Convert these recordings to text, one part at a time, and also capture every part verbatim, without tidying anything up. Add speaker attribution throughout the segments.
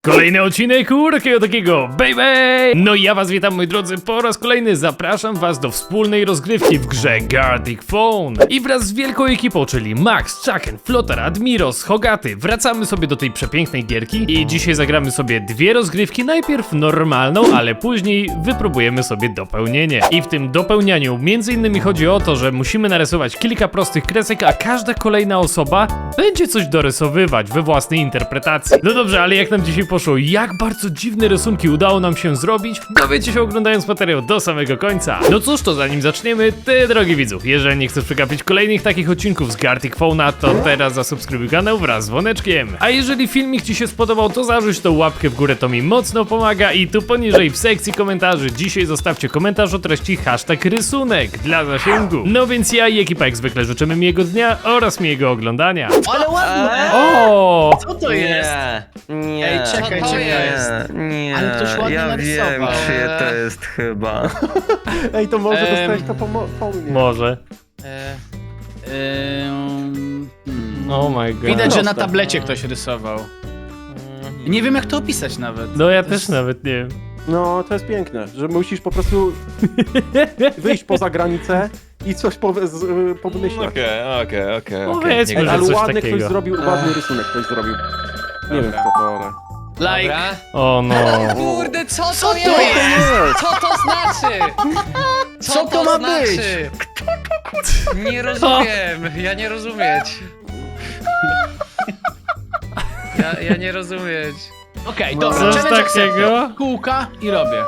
Speaker 1: Kolejny odcinek u takiego takiego baby! No i ja was witam, moi drodzy, po raz kolejny zapraszam was do wspólnej rozgrywki w grze Gartic Phone. I wraz z wielką ekipą, czyli Max, Chucken, Flotar, Admiros, Hogaty, wracamy sobie do tej przepięknej gierki i dzisiaj zagramy sobie dwie rozgrywki, najpierw normalną, ale później wypróbujemy sobie dopełnienie. I w tym dopełnianiu między innymi chodzi o to, że musimy narysować kilka prostych kresek, a każda kolejna osoba będzie coś dorysowywać we własnej interpretacji. No dobrze, ale jak nam dzisiaj poszło, jak bardzo dziwne rysunki udało nam się zrobić, dowiecie się oglądając materiał do samego końca. No cóż, to zanim zaczniemy, ty drogi widzów, jeżeli nie chcesz przegapić kolejnych takich odcinków z Gartic Phone'a, to teraz zasubskrybuj kanał wraz z dzwoneczkiem. A jeżeli filmik ci się spodobał, to zarzuć tą łapkę w górę, to mi mocno pomaga i tu poniżej w sekcji komentarzy dzisiaj zostawcie komentarz o treści hashtag rysunek dla zasięgu. No więc ja i ekipa jak zwykle życzymy miłego dnia oraz miłego oglądania.
Speaker 2: Ale ładne!
Speaker 1: O!
Speaker 2: Co to jest?
Speaker 3: Nie,
Speaker 2: Ej, czekaj,
Speaker 3: co to
Speaker 2: czekaj.
Speaker 3: jest? Nie,
Speaker 2: Ale ktoś ładnie
Speaker 3: ja
Speaker 2: narysował.
Speaker 3: wiem, czyje to jest chyba.
Speaker 4: Ej, to może
Speaker 2: Em,
Speaker 4: dostać to po, mo- po mnie.
Speaker 1: Może.
Speaker 2: E, em, hmm.
Speaker 1: Oh my god.
Speaker 2: Widać, że na
Speaker 4: Proste.
Speaker 2: tablecie ktoś rysował. Nie wiem, jak to opisać nawet.
Speaker 1: No ja
Speaker 2: To
Speaker 1: też
Speaker 2: jest-
Speaker 1: nawet nie wiem.
Speaker 4: No, to jest piękne, że musisz po prostu wyjść poza granicę i coś po, z, y, powymyślać.
Speaker 3: Okej, okej, okej.
Speaker 1: Powiedzmy,
Speaker 4: Ej,
Speaker 1: że
Speaker 4: ale
Speaker 1: coś
Speaker 4: ładny
Speaker 1: takiego.
Speaker 4: ktoś zrobił, ładny rysunek ktoś zrobił. Nie wiem kto to, ale...
Speaker 2: Like.
Speaker 1: O no.
Speaker 5: Kurde, co to,
Speaker 2: Co to
Speaker 5: jest?
Speaker 2: jest?
Speaker 5: Co to znaczy?
Speaker 2: Co to ma
Speaker 5: znaczy? Nie rozumiem, ja nie rozumieć. Ja, ja nie rozumieć.
Speaker 2: Okej,
Speaker 4: No.
Speaker 2: dobra,
Speaker 1: Coś
Speaker 2: challenge
Speaker 1: takiego?
Speaker 2: accepted. Kółka i robię.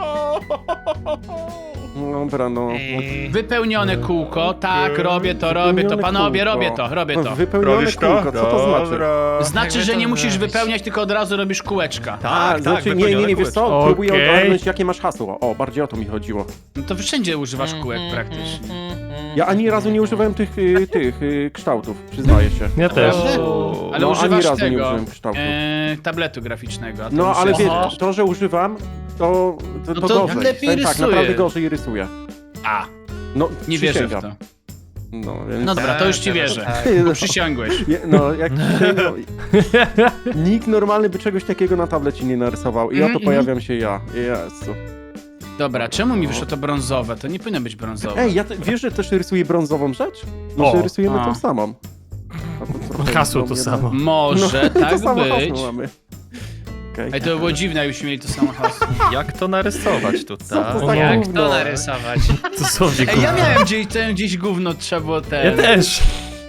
Speaker 4: Dobra, no...
Speaker 5: Ej,
Speaker 2: Wypełnione kółko, tak, robię to, robię to.
Speaker 4: Wypełnione
Speaker 2: panowie,
Speaker 4: kółko.
Speaker 2: robię to, robię to.
Speaker 4: Wypełnione
Speaker 3: Robisz to?
Speaker 4: kółko, co to znaczy?
Speaker 2: Znaczy,
Speaker 5: Jakby
Speaker 2: że
Speaker 5: to
Speaker 2: nie musisz
Speaker 5: zrobić?
Speaker 2: wypełniać, tylko od razu robisz kółeczka.
Speaker 4: A,
Speaker 3: tak,
Speaker 4: znaczy, nie, nie,
Speaker 3: wypełnione
Speaker 4: nie, wiesz co?
Speaker 1: kółeczko.
Speaker 4: Próbuję
Speaker 1: Okej.
Speaker 4: ogarnąć jakie masz hasło. O, bardziej o to mi chodziło.
Speaker 2: No to wszędzie używasz kółek
Speaker 5: Mhm,
Speaker 2: praktycznie.
Speaker 4: Ja ani razu nie używałem tych, y, tych y, kształtów, przyznaję się.
Speaker 1: Ja też.
Speaker 2: Prawda? Ale
Speaker 4: No, ani
Speaker 2: używasz
Speaker 4: razu nie
Speaker 2: tego,
Speaker 4: użyłem kształtu.
Speaker 2: e, tabletu graficznego. a to
Speaker 4: No,
Speaker 2: już
Speaker 4: ale
Speaker 2: jest-
Speaker 4: wiesz, to, że używam, to, to,
Speaker 2: No
Speaker 4: to,
Speaker 2: to
Speaker 4: gorzej.
Speaker 2: lepiej
Speaker 4: Tak, tak,
Speaker 2: rysuje.
Speaker 4: naprawdę gorzej rysuję.
Speaker 2: A,
Speaker 4: No,
Speaker 2: nie wierzę w
Speaker 4: przysięgam.
Speaker 2: to.
Speaker 4: No, więc...
Speaker 2: No dobra, to już ci
Speaker 5: teraz
Speaker 2: wierzę.
Speaker 5: tak.
Speaker 4: No,
Speaker 2: Przysiągłeś.
Speaker 4: je- no, jak przysięgam... Nikt normalny by czegoś takiego na tablecie nie narysował i
Speaker 2: Mhm,
Speaker 4: oto pojawiam się ja. Jezu.
Speaker 2: Dobra, czemu mi wyszło to brązowe? To nie powinno być brązowe.
Speaker 4: Ej, ja te, wiesz, że też rysuję brązową rzecz? Może
Speaker 1: O,
Speaker 4: rysujemy
Speaker 2: a.
Speaker 4: tą samą. A to trochę
Speaker 1: Hasło to
Speaker 4: do mnie
Speaker 1: samo.
Speaker 4: da-
Speaker 2: Może
Speaker 4: to
Speaker 2: tak
Speaker 4: samo
Speaker 2: być.
Speaker 4: hasło mamy. Okej.
Speaker 2: Ej, to by było dziwne, jakbyśmy mieli to samo hasło.
Speaker 3: Jak to narysować
Speaker 4: Co
Speaker 3: tutaj?
Speaker 4: to za
Speaker 1: No.
Speaker 5: Jak
Speaker 4: gówno?
Speaker 5: to narysować?
Speaker 1: Dosłownie.
Speaker 2: Ej, ja miałem gdzieś, ten, gdzieś gówno, trzeba było
Speaker 1: Ja
Speaker 2: ten.
Speaker 1: też.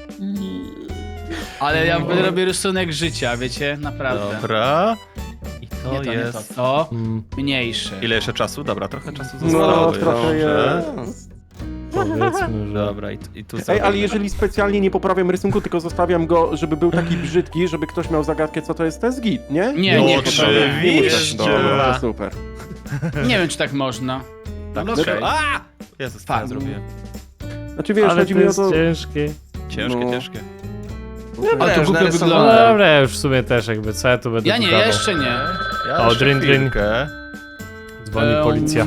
Speaker 2: Ale ja robię rysunek życia, wiecie? Naprawdę.
Speaker 3: Dobra. I to
Speaker 2: Nie to, nie to.
Speaker 3: jest...
Speaker 2: To
Speaker 1: Mm,
Speaker 2: mniejsze.
Speaker 3: Ile jeszcze czasu? Dobra, trochę czasu zostało.
Speaker 4: No, trochę
Speaker 3: Dobrze.
Speaker 4: jest.
Speaker 1: powiedzmy, że...
Speaker 3: Dobra, i, i tu
Speaker 4: Ej,
Speaker 3: zrobimy.
Speaker 4: ale jeżeli specjalnie nie poprawiam rysunku, tylko zostawiam go, żeby był taki brzydki, żeby ktoś miał zagadkę, co to jest, to jest git, nie?
Speaker 2: Nie,
Speaker 3: No,
Speaker 2: nie,
Speaker 3: oczywiście.
Speaker 2: nie,
Speaker 4: muszę. Dobra, to super.
Speaker 2: nie wiem, czy tak można.
Speaker 3: Tak,
Speaker 2: No,
Speaker 3: okej.
Speaker 2: okej.
Speaker 3: A! Jezus, co ja
Speaker 2: Fuck.
Speaker 3: zrobiłem?
Speaker 4: Znaczy wiesz,
Speaker 1: Ale
Speaker 4: chodzi
Speaker 1: to
Speaker 4: mi o
Speaker 1: jest
Speaker 4: to...
Speaker 1: ciężkie.
Speaker 3: Ciężkie,
Speaker 4: No.
Speaker 3: ciężkie.
Speaker 2: Ale to
Speaker 5: już
Speaker 2: głupio
Speaker 5: narysowałem.
Speaker 1: No
Speaker 2: wygląda.
Speaker 1: dobra, ja już w sumie też jakby, co ja tu będę
Speaker 2: Ja nie,
Speaker 1: dodawał?
Speaker 2: jeszcze nie.
Speaker 3: Ja
Speaker 1: O,
Speaker 3: jeszcze
Speaker 1: drin, drin.
Speaker 3: chwilkę.
Speaker 1: Dzwoni
Speaker 2: Ehm,
Speaker 1: policja.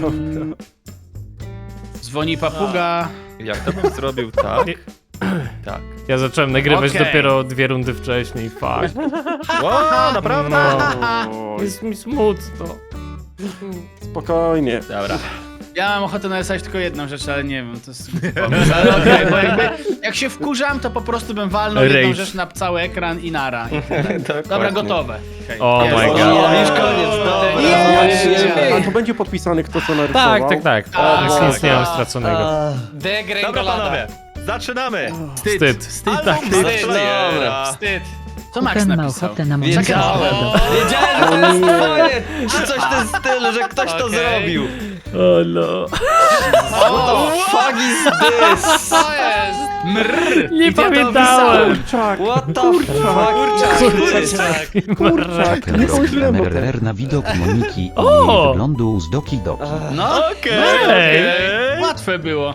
Speaker 2: Dzwoni papuga.
Speaker 3: Jak to bym zrobił tak? Tak.
Speaker 1: Ja zacząłem nagrywać
Speaker 2: Okej.
Speaker 1: dopiero dwie rundy wcześniej, fuck.
Speaker 3: Wow, naprawdę?
Speaker 4: Oj,
Speaker 1: Jest mi smutno.
Speaker 4: spokojnie.
Speaker 3: Dobra.
Speaker 2: Ja mam ochotę narysować tylko jedną rzecz, ale nie wiem, to jest pomysł. Ale okej, bo jakby, jak się wkurzam, to po prostu bym walnął jedną
Speaker 1: Rage.
Speaker 2: rzecz na cały ekran i nara. I Dobra,
Speaker 3: Dokładnie.
Speaker 2: gotowe. Okay.
Speaker 1: Oh my god.
Speaker 3: O, już koniec, dobra.
Speaker 2: Jest.
Speaker 4: A to będzie podpisany kto co narysował?
Speaker 1: Tak, tak, tak.
Speaker 2: Tak,
Speaker 1: Nic,
Speaker 2: tak,
Speaker 1: nic nie mam
Speaker 5: tak.
Speaker 1: straconego.
Speaker 3: Dobra,
Speaker 5: Degrengolada.
Speaker 3: panowie, zaczynamy!
Speaker 1: Wstyd.
Speaker 3: Wstyd,
Speaker 1: tak,
Speaker 2: wstyd.
Speaker 3: Dobra.
Speaker 2: Wstyd. Co Max
Speaker 6: Ten ma
Speaker 2: napisał?
Speaker 6: ochotę na
Speaker 5: Wiedziałem,
Speaker 6: montaż.
Speaker 5: wiedziałem, że to jest twoje. Czy coś w tym stylu, że ktoś to Okej. zrobił.
Speaker 1: O no.
Speaker 5: O, fuck is this? Co jest?
Speaker 2: Mrr.
Speaker 1: Nie
Speaker 2: I to
Speaker 1: pamiętałem.
Speaker 4: Kurczak,
Speaker 5: What the fuck?
Speaker 4: kurczak,
Speaker 5: Kurczak.
Speaker 4: kurczak, nie pomyślałem o tym.
Speaker 6: R na widok Moniki i
Speaker 1: O!
Speaker 6: jej wyglądu z Doki Doki.
Speaker 2: No,
Speaker 3: Okej,
Speaker 1: Ej.
Speaker 3: okej.
Speaker 2: łatwe było.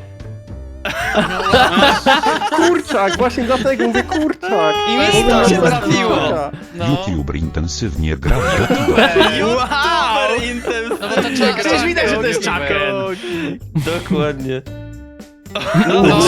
Speaker 4: Kurczak, właśnie dlatego mówię kurczak.
Speaker 5: I mi
Speaker 4: Mówię,
Speaker 5: to
Speaker 4: że
Speaker 5: się
Speaker 4: to jest
Speaker 5: trafiło.
Speaker 4: kurczak.
Speaker 5: No.
Speaker 6: YouTuber intensywnie gra w Doki Doki.
Speaker 3: YouTuber intensywny.
Speaker 5: No bo to czekaj,
Speaker 2: Przecież widać, że to jest
Speaker 5: czekaj.
Speaker 2: Chucken.
Speaker 3: Dokładnie.
Speaker 5: No, no.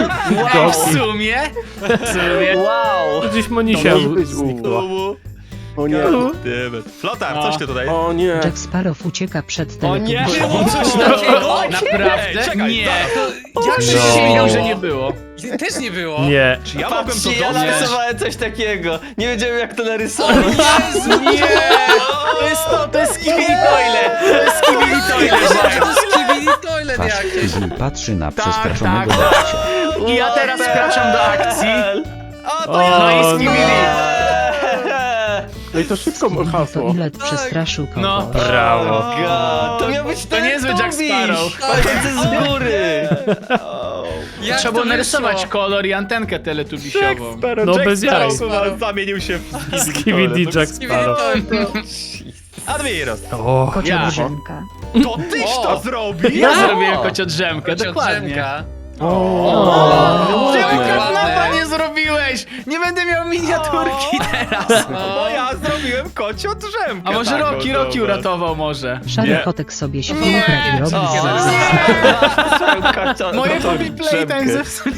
Speaker 2: Ej, w sumie, w sumie.
Speaker 5: Wow.
Speaker 1: Gdzieś Monisia
Speaker 4: To może być u.
Speaker 1: zniknęła.
Speaker 4: O O nie.
Speaker 3: Flotar,
Speaker 2: No.
Speaker 3: coś ty tutaj?
Speaker 4: O nie.
Speaker 7: Jack Sparrow ucieka przed
Speaker 5: O nie!
Speaker 7: teletubbisami.
Speaker 5: Coś takiego?
Speaker 2: Naprawdę?
Speaker 3: Ej, czekaj,
Speaker 2: Nie.
Speaker 3: zaraz.
Speaker 2: Jak
Speaker 1: No.
Speaker 2: przysięgał, że nie było?
Speaker 8: Też nie było.
Speaker 1: Nie.
Speaker 3: Czy ja mogłem to
Speaker 5: Patrzcie, ja
Speaker 3: dostać?
Speaker 5: narysowałem coś takiego. Nie wiedziałem jak to narysować.
Speaker 2: Jezu, nie! To jest to, to jest Skibidi Toilet! To jest Skibidi Toilet!
Speaker 8: To jest Skibidi Toilet
Speaker 6: Fast
Speaker 8: jakieś.
Speaker 6: Fizzle patrzy na
Speaker 2: Tak,
Speaker 6: przestraszonego
Speaker 2: tak.
Speaker 6: babcia.
Speaker 2: I ja teraz wkraczam do akcji.
Speaker 3: O, to
Speaker 1: O,
Speaker 3: ja!
Speaker 2: No i
Speaker 1: no.
Speaker 2: Skibidi.
Speaker 4: No i to szybko
Speaker 7: To
Speaker 4: hasło.
Speaker 7: ile przestraszył kogo?
Speaker 2: No.
Speaker 1: Brawo.
Speaker 5: God, to miał być
Speaker 2: To niezły Jack Sparrow.
Speaker 5: Patrzący z góry.
Speaker 8: Jak
Speaker 2: Trzeba
Speaker 8: to
Speaker 2: było narysować
Speaker 8: wyszło?
Speaker 2: kolor i antenkę teletubisiową.
Speaker 1: No bez jaj.
Speaker 3: Zamienił się w
Speaker 1: Skibidi Jack Sparrow.
Speaker 3: Admiros,
Speaker 1: O,
Speaker 7: Kocia
Speaker 2: Ja.
Speaker 7: drzemka.
Speaker 3: to tyś
Speaker 8: O.
Speaker 3: to zrobił?
Speaker 2: Ja zrobiłem kociodrzemkę, dokładnie.
Speaker 8: Drzemka.
Speaker 4: O,
Speaker 2: Czemu
Speaker 8: ładne.
Speaker 2: kapnapa nie zrobiłeś? Nie będę miał miniaturki teraz.
Speaker 3: No ja zrobiłem kocią drzemkę.
Speaker 2: A może
Speaker 3: taką,
Speaker 2: Roki, Roki
Speaker 3: zobacz.
Speaker 2: uratował może?
Speaker 7: Szary
Speaker 3: Nie.
Speaker 7: kotek sobie się
Speaker 2: Nie.
Speaker 7: poprawi robi
Speaker 5: O.
Speaker 7: z
Speaker 2: Moje Poppy Playtime zepsuli.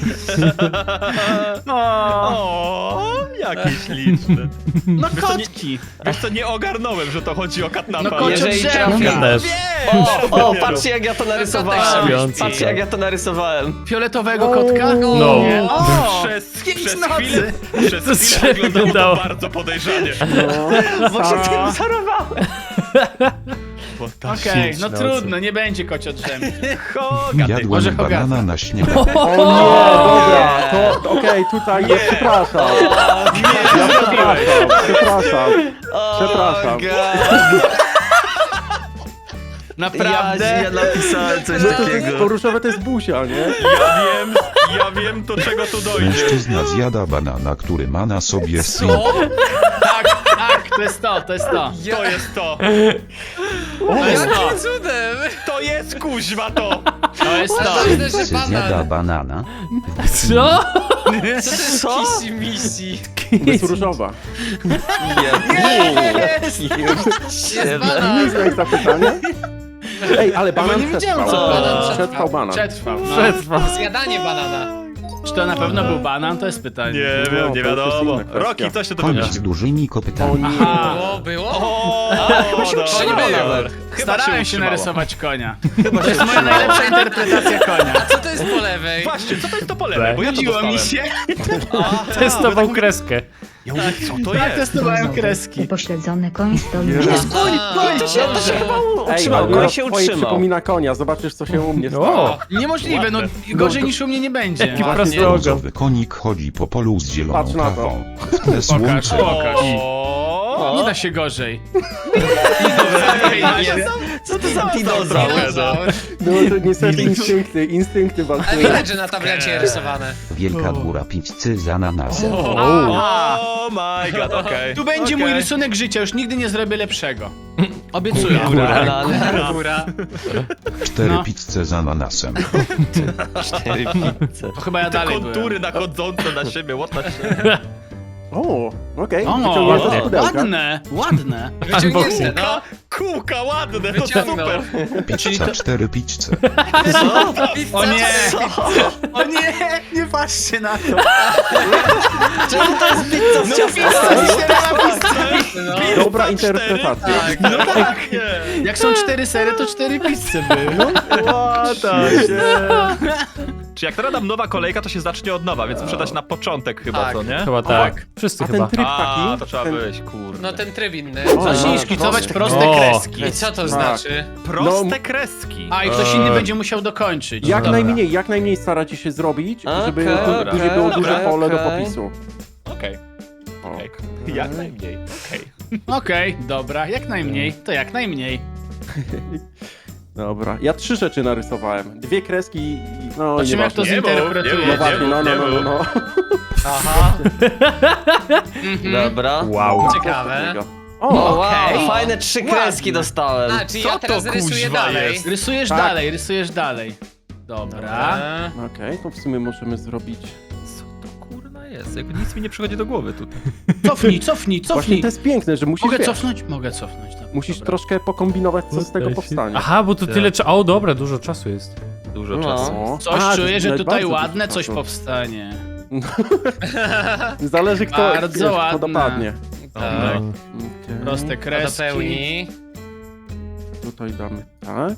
Speaker 2: O,
Speaker 3: O, jakie śliczne.
Speaker 2: no
Speaker 3: Wiesz co, nie-
Speaker 2: kotki.
Speaker 3: Wiesz co, nie ogarnąłem, że to chodzi o katnapa.
Speaker 2: No kocio
Speaker 5: Jeżeli
Speaker 2: drzemka.
Speaker 5: trafi-
Speaker 1: też.
Speaker 5: O, o, patrzcie jak ja to narysowałem.
Speaker 1: śpiący.
Speaker 5: Patrzcie jak ja to narysowałem.
Speaker 2: Fioletowego kotka?
Speaker 1: No.
Speaker 2: Nie. O,
Speaker 3: Przez,
Speaker 2: pięć
Speaker 3: przez
Speaker 2: nocy.
Speaker 3: chwilę, przez
Speaker 1: To
Speaker 3: chwilę
Speaker 1: się
Speaker 3: wyglądało
Speaker 1: wydało.
Speaker 3: to bardzo podejrzanie.
Speaker 5: Bo się tym zarowałem.
Speaker 3: Bo ta
Speaker 2: Okej,
Speaker 3: sieć
Speaker 2: no
Speaker 3: nocy.
Speaker 2: trudno, nie będzie kocio drzemki.
Speaker 6: Jadłem
Speaker 2: Może
Speaker 6: banana
Speaker 2: Hogarth.
Speaker 6: na śniadanie.
Speaker 4: O nie, dobra. To okej, tutaj ja przepraszam. Ja przepraszam. Przepraszam. Przepraszam.
Speaker 2: Naprawdę?
Speaker 5: Ja, ja napisałem coś
Speaker 4: No to, to jest,
Speaker 5: takiego.
Speaker 4: to różowe to jest buzia, nie?
Speaker 3: Ja wiem, ja wiem do czego tu dojdzie.
Speaker 6: Mężczyzna zjada banana, który ma na sobie syn.
Speaker 2: Tak, tak, to jest to, to jest to.
Speaker 3: To jest to.
Speaker 2: To jest to.
Speaker 8: Jakim cudem?
Speaker 3: To jest kuźwa to.
Speaker 2: To jest to.
Speaker 8: Ważne, że
Speaker 6: Psy zjada
Speaker 8: banan.
Speaker 6: banana.
Speaker 1: Co?
Speaker 8: Co to jest
Speaker 5: Co?
Speaker 8: kisi misi?
Speaker 4: To jest różowa.
Speaker 2: Jest!
Speaker 8: Jest banan.
Speaker 4: Nic jak zapytanie. Ej, ale banan
Speaker 2: nie wiedziałem,
Speaker 4: przetrwał.
Speaker 2: co
Speaker 8: banan
Speaker 4: Przetrwał
Speaker 8: przetrwał.
Speaker 4: banan.
Speaker 2: Przetrwał. No.
Speaker 1: Przetrwał.
Speaker 8: Zjadanie banana.
Speaker 2: Czy to na pewno był banan? To jest pytanie.
Speaker 3: Nie
Speaker 4: No,
Speaker 3: wiem,
Speaker 4: to
Speaker 3: nie
Speaker 4: już jest
Speaker 3: wiadomo.
Speaker 4: inna kwestia.
Speaker 3: Roki, coś ty tu
Speaker 6: Konik z
Speaker 3: wymyślił.
Speaker 6: dużymi
Speaker 4: O
Speaker 6: kopytami.
Speaker 4: nie.
Speaker 2: Aha.
Speaker 8: O, było?
Speaker 3: O,
Speaker 5: chyba się
Speaker 3: dobra.
Speaker 5: utrzymało nawet.
Speaker 3: Chyba
Speaker 2: Starałem się
Speaker 3: utrzymało.
Speaker 2: narysować konia. To jest moja najlepsza interpretacja konia.
Speaker 8: A co to jest po lewej?
Speaker 3: Właśnie, co to jest to po lewej? Bo ja to
Speaker 2: Nudziło
Speaker 3: dostałem.
Speaker 2: mi się.
Speaker 1: Testował kreskę.
Speaker 3: Ja mówię, co to
Speaker 2: Tak,
Speaker 3: jest?
Speaker 2: testowałem kreski.
Speaker 7: Upośledzony koń stoi
Speaker 4: Jezu.
Speaker 7: na
Speaker 8: Jest koń, koń, to się, to się chyba
Speaker 4: Ej,
Speaker 5: Utrzymał,
Speaker 4: ale
Speaker 5: koń
Speaker 4: na
Speaker 5: się
Speaker 4: twoje
Speaker 5: utrzymał.
Speaker 4: przypomina konia, zobaczysz co się u mnie stało.
Speaker 1: O,
Speaker 2: Niemożliwe, no gorzej niż u mnie nie będzie.
Speaker 1: jaki
Speaker 4: Ładnie.
Speaker 1: prosty ogon.
Speaker 6: Brązowy konik chodzi po polu z zieloną
Speaker 4: Patrz na to.
Speaker 6: trawą. W tle
Speaker 2: Pokaż,
Speaker 6: słońce.
Speaker 2: pokaż.
Speaker 3: O,
Speaker 2: Nie da się gorzej.
Speaker 5: Co to za dinozaur?
Speaker 8: Dinozaur.
Speaker 4: No to niestety instynkty, instynkty
Speaker 8: A
Speaker 4: walczyły.
Speaker 8: widać, że na tablecie rysowane.
Speaker 6: Wielka góra pizzy z ananasem.
Speaker 2: Aha.
Speaker 3: oh my god, okej.
Speaker 2: Tu będzie
Speaker 3: Okej.
Speaker 2: mój rysunek życia, już nigdy nie zrobię lepszego. Obiecuję.
Speaker 5: Banan.
Speaker 2: Góra.
Speaker 6: Cztery
Speaker 2: No.
Speaker 6: pizze z ananasem.
Speaker 5: Cztery pizze.
Speaker 2: To chyba ja
Speaker 3: Te
Speaker 2: dalej
Speaker 3: kontury
Speaker 2: byłem.
Speaker 3: nachodzące na siebie, what the shit.
Speaker 4: O, okej,
Speaker 2: O,
Speaker 4: wyciągnięte z pudełka.
Speaker 2: ładne, ładne.
Speaker 8: Wyciągnięte, no.
Speaker 3: Kółka ładne, to
Speaker 8: Wyciągnął.
Speaker 3: super.
Speaker 6: Pizza cztery pizze.
Speaker 2: O nie,
Speaker 5: Co?
Speaker 2: o nie, nie patrzcie na to.
Speaker 5: Czemu to jest pizza z
Speaker 2: No
Speaker 5: ciastami?
Speaker 2: pizza, cztery pizza.
Speaker 8: No.
Speaker 4: Dobra interpretacja.
Speaker 8: Tak.
Speaker 2: No tak. Jak są cztery sery, to cztery pizze były.
Speaker 3: What the shit. Czy jak teraz dam nowa kolejka, to się zacznie od nowa, więc sprzedać na początek chyba,
Speaker 8: Tak.
Speaker 3: co nie?
Speaker 1: Chyba tak. Wszyscy
Speaker 4: A ten
Speaker 1: chyba.
Speaker 4: tryb
Speaker 3: A,
Speaker 4: taki?
Speaker 3: to trzeba
Speaker 4: ten...
Speaker 3: wyjść, kurde.
Speaker 8: No ten tryb inny.
Speaker 4: O,
Speaker 2: Zacznij
Speaker 4: no,
Speaker 2: szkicować
Speaker 4: prosty.
Speaker 2: proste
Speaker 1: O.
Speaker 2: kreski.
Speaker 8: I co to
Speaker 4: Tak.
Speaker 8: znaczy?
Speaker 3: Proste
Speaker 4: No.
Speaker 3: kreski.
Speaker 2: A i ktoś inny
Speaker 1: Eee.
Speaker 2: będzie musiał dokończyć.
Speaker 4: Jak
Speaker 2: Dobra.
Speaker 4: najmniej, jak najmniej staracie się zrobić, żeby
Speaker 5: Okej,
Speaker 4: tu-
Speaker 3: dobra.
Speaker 4: później było
Speaker 3: Dobra,
Speaker 4: duże pole do
Speaker 5: okej.
Speaker 4: popisu.
Speaker 3: Okej,
Speaker 4: O.
Speaker 3: okej. Jak najmniej, okej.
Speaker 2: Okej, dobra, jak najmniej, to jak najmniej.
Speaker 4: Dobra, ja trzy rzeczy narysowałem. Dwie kreski i... No,
Speaker 2: Zobaczymy, jak to
Speaker 4: nieważne.
Speaker 3: Nie mów,
Speaker 2: zinterpretuje.
Speaker 3: nie
Speaker 4: No
Speaker 3: mów.
Speaker 4: właśnie, no, no,
Speaker 3: nie
Speaker 4: no, no,
Speaker 3: mów.
Speaker 4: no.
Speaker 8: Aha.
Speaker 5: Dobra.
Speaker 1: Wow.
Speaker 8: Ciekawe.
Speaker 5: O,
Speaker 4: O,
Speaker 5: wow,
Speaker 2: Okej.
Speaker 5: fajne trzy kreski
Speaker 2: Ładne.
Speaker 5: dostałem.
Speaker 8: A, czyli
Speaker 3: Co
Speaker 8: ja teraz
Speaker 3: to,
Speaker 8: rysuję
Speaker 3: kuźwa,
Speaker 8: dalej.
Speaker 3: jest?
Speaker 2: Rysujesz
Speaker 4: Tak.
Speaker 2: dalej, rysujesz dalej. Dobra.
Speaker 8: Eee,
Speaker 4: okej, to w sumie możemy zrobić...
Speaker 3: Co to kurna jest? Jakby nic mi nie przychodzi do głowy tutaj.
Speaker 2: Cofnij, cofnij,
Speaker 4: Właśnie
Speaker 2: cofnij.
Speaker 4: to jest piękne, że musisz,
Speaker 2: Mogę
Speaker 4: wiesz,
Speaker 2: cofnąć? Mogę cofnąć. Dobra,
Speaker 4: musisz
Speaker 2: dobra.
Speaker 4: troszkę pokombinować, co z tego powstanie.
Speaker 1: Aha, bo tu tyle czasu. O, dobra, dużo czasu jest.
Speaker 3: Dużo
Speaker 5: No.
Speaker 3: czasu.
Speaker 4: O.
Speaker 2: Coś
Speaker 4: A,
Speaker 2: czuję,
Speaker 4: to
Speaker 2: że
Speaker 4: jest
Speaker 2: tutaj
Speaker 4: bardzo
Speaker 2: ładne
Speaker 4: dużo
Speaker 2: coś
Speaker 4: czasu.
Speaker 2: powstanie.
Speaker 4: Zależy kto,
Speaker 2: Bardzo
Speaker 4: wiesz, kto
Speaker 2: ładne.
Speaker 4: dopadnie.
Speaker 8: Tak.
Speaker 4: Okej.
Speaker 2: Proste
Speaker 8: To
Speaker 2: kreski.
Speaker 8: pełni.
Speaker 4: Tutaj damy tak.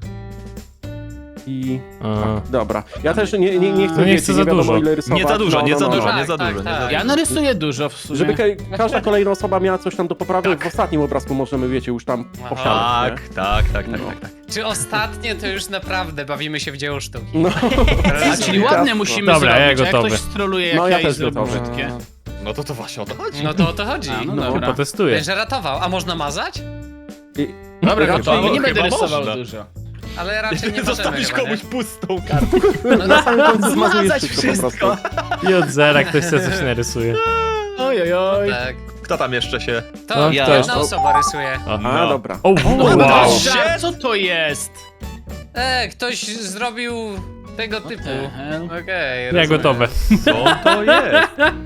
Speaker 4: I...
Speaker 1: A.
Speaker 4: Tak, dobra. Ja też nie, nie, nie chcę,
Speaker 1: No nie
Speaker 4: wiecie,
Speaker 1: chcę za
Speaker 4: wiadomo,
Speaker 1: dużo.
Speaker 4: ile rysować.
Speaker 3: Nie za dużo,
Speaker 4: No,
Speaker 3: nie
Speaker 4: no,
Speaker 3: za
Speaker 4: no,
Speaker 3: dużo,
Speaker 4: no.
Speaker 3: nie za
Speaker 8: Tak,
Speaker 3: dużo, nie
Speaker 8: tak,
Speaker 3: za
Speaker 8: tak.
Speaker 3: dużo.
Speaker 2: Ja narysuję dużo w sumie.
Speaker 4: Żeby ka każda kolejna osoba miała coś tam do poprawy, w ostatnim obrazku możemy, wiecie, już tam
Speaker 8: Aha.
Speaker 4: poprawić,
Speaker 3: Tak, tak, tak, tak,
Speaker 4: No.
Speaker 3: tak, tak.
Speaker 8: Czy ostatnie to już naprawdę bawimy się w dzieło sztuki?
Speaker 4: No.
Speaker 2: A, czyli ładne musimy
Speaker 1: Dobra, ja
Speaker 2: zrobić, a jak
Speaker 1: gotowy.
Speaker 2: ktoś stroluje, jak
Speaker 4: No,
Speaker 2: ja,
Speaker 4: ja
Speaker 2: i
Speaker 4: też
Speaker 2: zrobię
Speaker 4: gotowy.
Speaker 2: brzydkie.
Speaker 3: No to to właśnie o to chodzi.
Speaker 8: No to o to chodzi.
Speaker 2: A, no
Speaker 4: No,
Speaker 2: dobra.
Speaker 1: Potestuję.
Speaker 8: Ten, że ratował. A można mazać?
Speaker 4: I...
Speaker 2: Dobra,
Speaker 4: Raczej
Speaker 2: gotowy, nie
Speaker 3: chyba
Speaker 2: będę rysował
Speaker 3: można.
Speaker 2: dużo.
Speaker 8: Ale raczej nie możemy
Speaker 3: Zostawisz
Speaker 8: chyba,
Speaker 3: komuś
Speaker 8: nie?
Speaker 3: pustą kartę.
Speaker 4: Na samym końcu zmazujesz
Speaker 2: Zmazać
Speaker 4: wszystko,
Speaker 2: wszystko.
Speaker 4: po prostu.
Speaker 1: I od zera ktoś sobie coś narysuje.
Speaker 2: Oj, oj, oj.
Speaker 8: Tak.
Speaker 3: Kto tam jeszcze się...
Speaker 8: To
Speaker 1: No,
Speaker 5: ja.
Speaker 8: jedna osoba rysuje.
Speaker 1: O,
Speaker 4: A, dobra.
Speaker 1: o wow.
Speaker 2: Wow. Żart, co to jest?
Speaker 8: E, ktoś zrobił tego typu.
Speaker 2: the hell?
Speaker 8: Okej,
Speaker 1: Ja
Speaker 8: rozumiem.
Speaker 1: gotowe.
Speaker 3: Co to jest?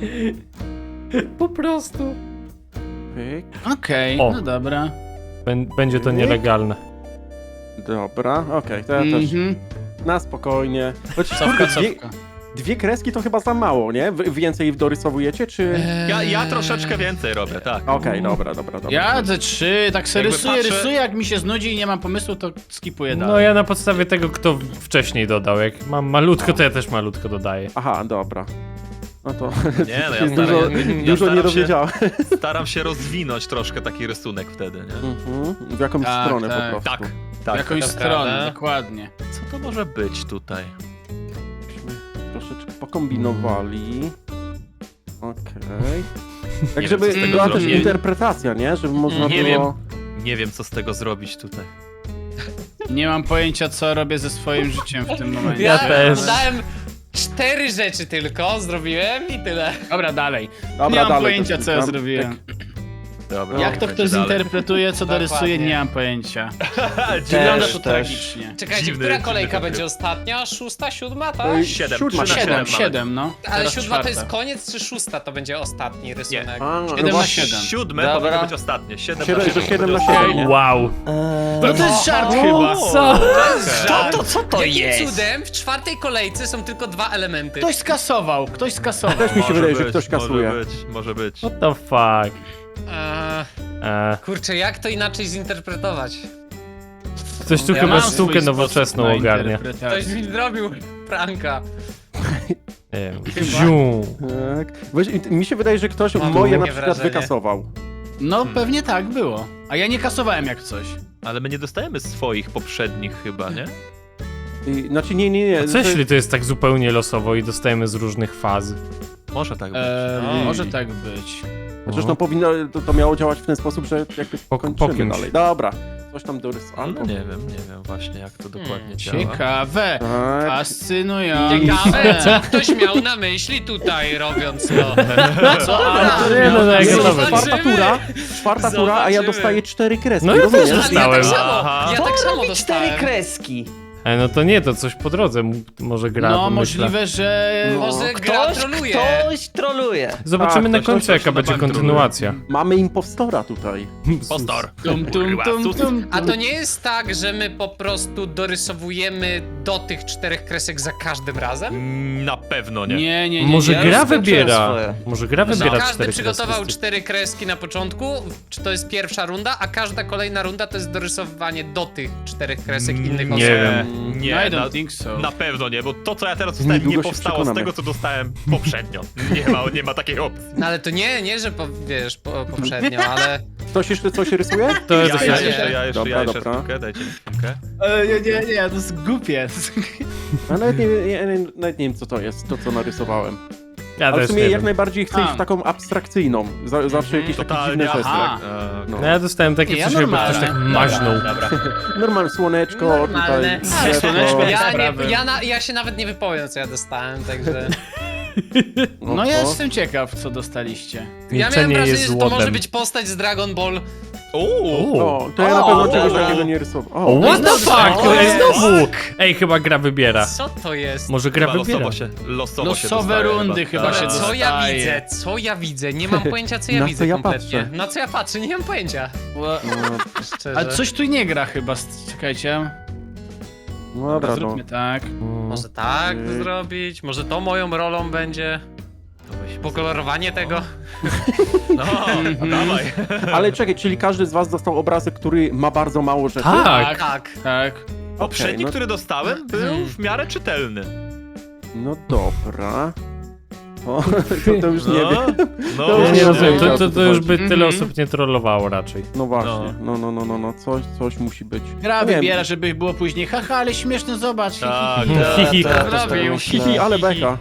Speaker 1: Po prostu.
Speaker 4: Pyk.
Speaker 2: Okej,
Speaker 1: O.
Speaker 2: no dobra.
Speaker 1: Bę- Będzie to nielegalne.
Speaker 4: Dobra, okej, to ja też
Speaker 2: Mhm.
Speaker 4: na spokojnie. Chociaż
Speaker 2: Cofka,
Speaker 4: kurde, dwie,
Speaker 2: cofka.
Speaker 4: dwie kreski to chyba za mało, nie? Wy więcej dorysowujecie, czy...
Speaker 3: Ja, ja troszeczkę więcej robię, tak.
Speaker 4: Okej, dobra, dobra, dobra.
Speaker 2: Ja ze trzy, tak se
Speaker 3: Jakby
Speaker 2: rysuję,
Speaker 3: patrzę-
Speaker 2: rysuję, jak mi się znudzi i nie mam pomysłu, to skipuję dalej.
Speaker 1: No ja na podstawie tego, kto wcześniej dodał. Jak mam malutko, to ja też malutko dodaję.
Speaker 4: Aha, dobra. No to
Speaker 3: Nie, no ja
Speaker 4: dużo,
Speaker 3: staram, ja
Speaker 4: dużo nie
Speaker 3: staram, się,
Speaker 4: dowiedziałem.
Speaker 3: staram się rozwinąć troszkę taki rysunek wtedy, nie?
Speaker 4: Mhm. W jakąś
Speaker 2: Tak,
Speaker 4: stronę
Speaker 2: tak.
Speaker 4: po prostu.
Speaker 3: Tak,
Speaker 2: W
Speaker 3: tak.
Speaker 2: jakąś
Speaker 8: to
Speaker 2: stronę,
Speaker 8: prawda.
Speaker 2: dokładnie.
Speaker 3: Co to może być tutaj?
Speaker 4: Byśmy troszeczkę pokombinowali. Okej. Tak,
Speaker 3: Nie
Speaker 4: żeby
Speaker 3: wiem, co z tego
Speaker 4: była też
Speaker 3: zrobić.
Speaker 4: interpretacja, nie? Żeby można
Speaker 3: Nie
Speaker 4: było...
Speaker 3: Nie wiem, co z tego zrobić tutaj.
Speaker 2: Nie mam pojęcia, co robię ze swoim życiem w tym momencie.
Speaker 1: Ja też.
Speaker 8: Dałem cztery rzeczy tylko, zrobiłem i tyle.
Speaker 2: Dobra, dalej.
Speaker 4: Dobra,
Speaker 2: nie mam
Speaker 4: dalej
Speaker 2: pojęcia,
Speaker 4: też
Speaker 2: co ja
Speaker 4: klikam.
Speaker 2: zrobiłem.
Speaker 3: Dobra.
Speaker 2: Jak to
Speaker 3: będzie
Speaker 2: ktoś
Speaker 3: dalej.
Speaker 2: zinterpretuje, co dorysuje,
Speaker 8: Dokładnie.
Speaker 2: nie mam pojęcia.
Speaker 5: Też,
Speaker 2: Wygląda to
Speaker 5: też.
Speaker 2: tragicznie.
Speaker 8: Czekajcie,
Speaker 3: Dziwny-
Speaker 8: która
Speaker 3: dziwny
Speaker 8: kolejka
Speaker 3: ten
Speaker 8: będzie
Speaker 3: tryb.
Speaker 8: ostatnia? Szósta, siódma, tak?
Speaker 4: Ej,
Speaker 3: Siedem,
Speaker 4: Siódma,
Speaker 3: trzy na
Speaker 2: Siedem,
Speaker 3: mamy.
Speaker 2: siedem, no.
Speaker 8: Ale
Speaker 2: Teraz
Speaker 8: siódma to
Speaker 2: czwarta.
Speaker 8: jest koniec, czy szósta to będzie ostatni rysunek?
Speaker 4: A, no
Speaker 2: Siedem na
Speaker 4: właśnie.
Speaker 2: siedem.
Speaker 3: Siódme
Speaker 5: Dobra.
Speaker 3: powinno być ostatnie. Siedem
Speaker 4: Siedem-
Speaker 3: na siedem.
Speaker 4: że siedem
Speaker 3: to
Speaker 4: na
Speaker 3: będzie
Speaker 4: siedem, nie?
Speaker 1: Wow.
Speaker 2: No to jest żart chyba.
Speaker 1: Co?
Speaker 5: Co to, co to
Speaker 8: Jakim
Speaker 5: jest?
Speaker 8: cudem w czwartej kolejce są tylko dwa elementy?
Speaker 2: Ktoś skasował, ktoś skasował.
Speaker 4: Też mi się
Speaker 3: Może
Speaker 4: wydaje, że
Speaker 3: być,
Speaker 4: ktoś kasuje.
Speaker 3: Może być, może być.
Speaker 1: What the fuck?
Speaker 8: Eee,
Speaker 1: Eee,
Speaker 8: kurczę, jak to inaczej zinterpretować?
Speaker 1: ktoś tu
Speaker 2: Ja
Speaker 1: chyba
Speaker 2: mam
Speaker 1: sztukę
Speaker 2: swój
Speaker 1: nowoczesną
Speaker 2: sposób na
Speaker 1: ogarnia.
Speaker 2: interpretację.
Speaker 8: Ktoś mi zrobił pranka.
Speaker 1: Nie wiem. Ziu.
Speaker 4: Tak. Weź, mi się wydaje, że ktoś
Speaker 8: Mam
Speaker 4: moje na
Speaker 8: takie
Speaker 4: przykład
Speaker 8: wrażenie.
Speaker 4: wykasował.
Speaker 2: No pewnie tak było. A ja nie kasowałem jak coś.
Speaker 3: Ale my nie dostajemy swoich poprzednich chyba, nie?
Speaker 4: I, znaczy nie, nie, nie.
Speaker 1: A co
Speaker 4: to-
Speaker 1: jeśli to jest tak zupełnie losowo i dostajemy z różnych faz?
Speaker 3: Może tak być.
Speaker 2: Eee,
Speaker 3: Ej.
Speaker 2: może tak być.
Speaker 4: Zresztą powinno, to, to miało działać w ten sposób, że jakby
Speaker 1: Po- po
Speaker 4: kończymy
Speaker 1: kimś.
Speaker 4: dalej. Dobra, coś tam dorysowałem.
Speaker 3: No nie wiem, nie wiem właśnie jak to dokładnie
Speaker 8: Hmm,
Speaker 3: działa.
Speaker 2: Ciekawe.
Speaker 4: Tak.
Speaker 2: Fascynujące.
Speaker 8: Ciekawe, co ktoś miał na myśli tutaj robiąc to.
Speaker 2: Co? A,
Speaker 1: Nie, no, no, jak
Speaker 4: Jest
Speaker 1: gotowe.
Speaker 4: czwarta tura, czwarta tura, a ja
Speaker 8: Zobaczymy.
Speaker 4: dostaję cztery kreski.
Speaker 1: No ja też
Speaker 4: rozumiesz?
Speaker 8: Ale ja tak
Speaker 1: Dostałem.
Speaker 8: samo,
Speaker 3: Aha.
Speaker 8: ja
Speaker 5: To
Speaker 8: tak samo
Speaker 5: robi cztery
Speaker 8: dostałem.
Speaker 5: kreski.
Speaker 1: E, no to nie, to coś po drodze m- może gra,
Speaker 2: no
Speaker 1: pomyślę.
Speaker 2: możliwe, że...
Speaker 8: Może gra
Speaker 5: Ktoś,
Speaker 8: troluje.
Speaker 5: ktoś troluje.
Speaker 1: Zobaczymy
Speaker 4: Tak,
Speaker 1: na
Speaker 4: ktoś-
Speaker 1: końcu,
Speaker 3: ktoś
Speaker 1: jaka
Speaker 3: na
Speaker 1: będzie
Speaker 3: bank troluje.
Speaker 1: kontynuacja.
Speaker 4: Mamy impostora tutaj.
Speaker 3: Postor.
Speaker 2: Tum, tum, tum, tum,
Speaker 8: A to nie jest tak, że my po prostu dorysowujemy do tych czterech kresek za każdym razem?
Speaker 3: Mm, Na pewno nie.
Speaker 2: Nie, nie, nie.
Speaker 1: Może
Speaker 2: nie.
Speaker 5: ja już
Speaker 1: gra
Speaker 5: skończyłem
Speaker 1: wybiera.
Speaker 5: swoje.
Speaker 1: Może gra
Speaker 8: Że
Speaker 1: wybiera
Speaker 8: każdy
Speaker 1: cztery
Speaker 8: przygotował
Speaker 1: kreski.
Speaker 8: cztery kreski na początku, czy to jest pierwsza runda, a każda kolejna runda to jest dorysowanie do tych czterech kresek innych
Speaker 3: Nie
Speaker 8: osób.
Speaker 1: wiem.
Speaker 3: Nie,
Speaker 2: No, I don't
Speaker 3: na,
Speaker 2: think so.
Speaker 3: na pewno nie, bo to co ja teraz dostałem
Speaker 4: Niedługo
Speaker 3: nie
Speaker 4: się
Speaker 3: powstało z
Speaker 4: przekonamy.
Speaker 3: tego co dostałem poprzednio. Nie ma, nie ma takiej opcji.
Speaker 8: No ale to nie, nie, że po, wiesz, po, poprzednio, ale...
Speaker 4: Ktoś jeszcze coś rysuje?
Speaker 1: To jest
Speaker 3: Ja, ja
Speaker 1: dosyć...
Speaker 3: jeszcze, ja jeszcze,
Speaker 4: Dobra,
Speaker 3: ja jeszcze
Speaker 4: dobra.
Speaker 3: chwilkę, dajcie mi chwilkę.
Speaker 2: E, nie, nie, nie, to jest głupie.
Speaker 4: Ja nawet nie, ja nawet nie wiem, co to jest, to co narysowałem.
Speaker 1: Ja
Speaker 4: Ale w
Speaker 1: też
Speaker 4: sumie
Speaker 1: nie
Speaker 4: jak
Speaker 1: wiem.
Speaker 4: najbardziej chcę iść
Speaker 2: A.
Speaker 4: w taką abstrakcyjną. Z- Zawsze jakieś takie
Speaker 3: Totalnie,
Speaker 4: dziwne rzeczy.
Speaker 2: aha.
Speaker 3: E,
Speaker 4: No.
Speaker 1: No ja dostałem takie
Speaker 2: Nie, ja
Speaker 1: coś, jakby ktoś
Speaker 2: normalne.
Speaker 1: tak maźnął.
Speaker 2: Dobra, dobra.
Speaker 4: Normalne słoneczko,
Speaker 8: Normalne.
Speaker 4: tutaj
Speaker 2: Ale
Speaker 4: drzewo.
Speaker 2: słoneczko jest-
Speaker 8: Ja,
Speaker 2: sprawy.
Speaker 8: nie, ja, na, ja się nawet nie wypowiem, co ja dostałem, także...
Speaker 2: No ja jestem ciekaw, co dostaliście.
Speaker 8: Ja miałem
Speaker 1: Milczenie
Speaker 8: wrażenie,
Speaker 1: jest
Speaker 8: że to może
Speaker 1: złotem.
Speaker 8: być postać z Dragon Ball.
Speaker 3: Uuu.
Speaker 4: O, to ja na
Speaker 2: O,
Speaker 4: pewno czegoś
Speaker 2: dobra.
Speaker 4: takiego nie rysowałem.
Speaker 1: O,
Speaker 4: O,
Speaker 1: what the fuck?
Speaker 8: O,
Speaker 1: Ej,
Speaker 8: jest.
Speaker 1: znowu! Ej, chyba gra wybiera.
Speaker 8: Co to jest?
Speaker 1: Może gra
Speaker 3: Chyba
Speaker 1: wybiera.
Speaker 3: losowo się, losowo się
Speaker 2: Losowe
Speaker 3: dostaje
Speaker 2: rundy chyba się
Speaker 3: Tak.
Speaker 8: Co ja
Speaker 2: dostaje.
Speaker 8: widzę? Co ja widzę? Nie mam pojęcia, co ja
Speaker 4: Na
Speaker 8: widzę
Speaker 4: co ja
Speaker 8: kompletnie.
Speaker 4: patrzę?
Speaker 8: Na co ja patrzę? Nie mam pojęcia.
Speaker 4: no,
Speaker 8: Szczerze.
Speaker 2: Ale coś tu nie gra chyba, czekajcie.
Speaker 4: no dobra, no.
Speaker 2: Zróbmy tak.
Speaker 8: Może tak
Speaker 4: Yy.
Speaker 8: zrobić? Może to moją rolą będzie?
Speaker 3: To weźmy
Speaker 8: pokolorowanie tego?
Speaker 3: No, dawaj.
Speaker 4: Ale czekaj, czyli każdy z was dostał obrazek, który ma bardzo mało rzeczy?
Speaker 1: Tak.
Speaker 8: Tak.
Speaker 2: Tak.
Speaker 3: Poprzedni,
Speaker 4: no-
Speaker 3: który dostałem, był w miarę czytelny.
Speaker 4: No dobra. O, to, to już nie
Speaker 3: No,
Speaker 4: wiem.
Speaker 3: no,
Speaker 4: To
Speaker 1: Ja
Speaker 4: już
Speaker 1: nie
Speaker 4: nie
Speaker 1: rozumiem,
Speaker 4: wiem,
Speaker 1: to,
Speaker 4: o
Speaker 1: to,
Speaker 4: co
Speaker 1: to już
Speaker 4: chodzi.
Speaker 1: by tyle
Speaker 2: Mhm.
Speaker 1: osób nie trollowało raczej.
Speaker 4: No właśnie, no, no, no, no, no, coś, coś musi być.
Speaker 2: Gra
Speaker 4: Nie wiem.
Speaker 2: wybiera, żeby było później. Haha, ale śmieszne, zobacz.
Speaker 3: Tak,
Speaker 1: Hihi.
Speaker 5: Ja też tak
Speaker 8: Zrobił.
Speaker 5: myślę.
Speaker 4: Hihi, ale beka.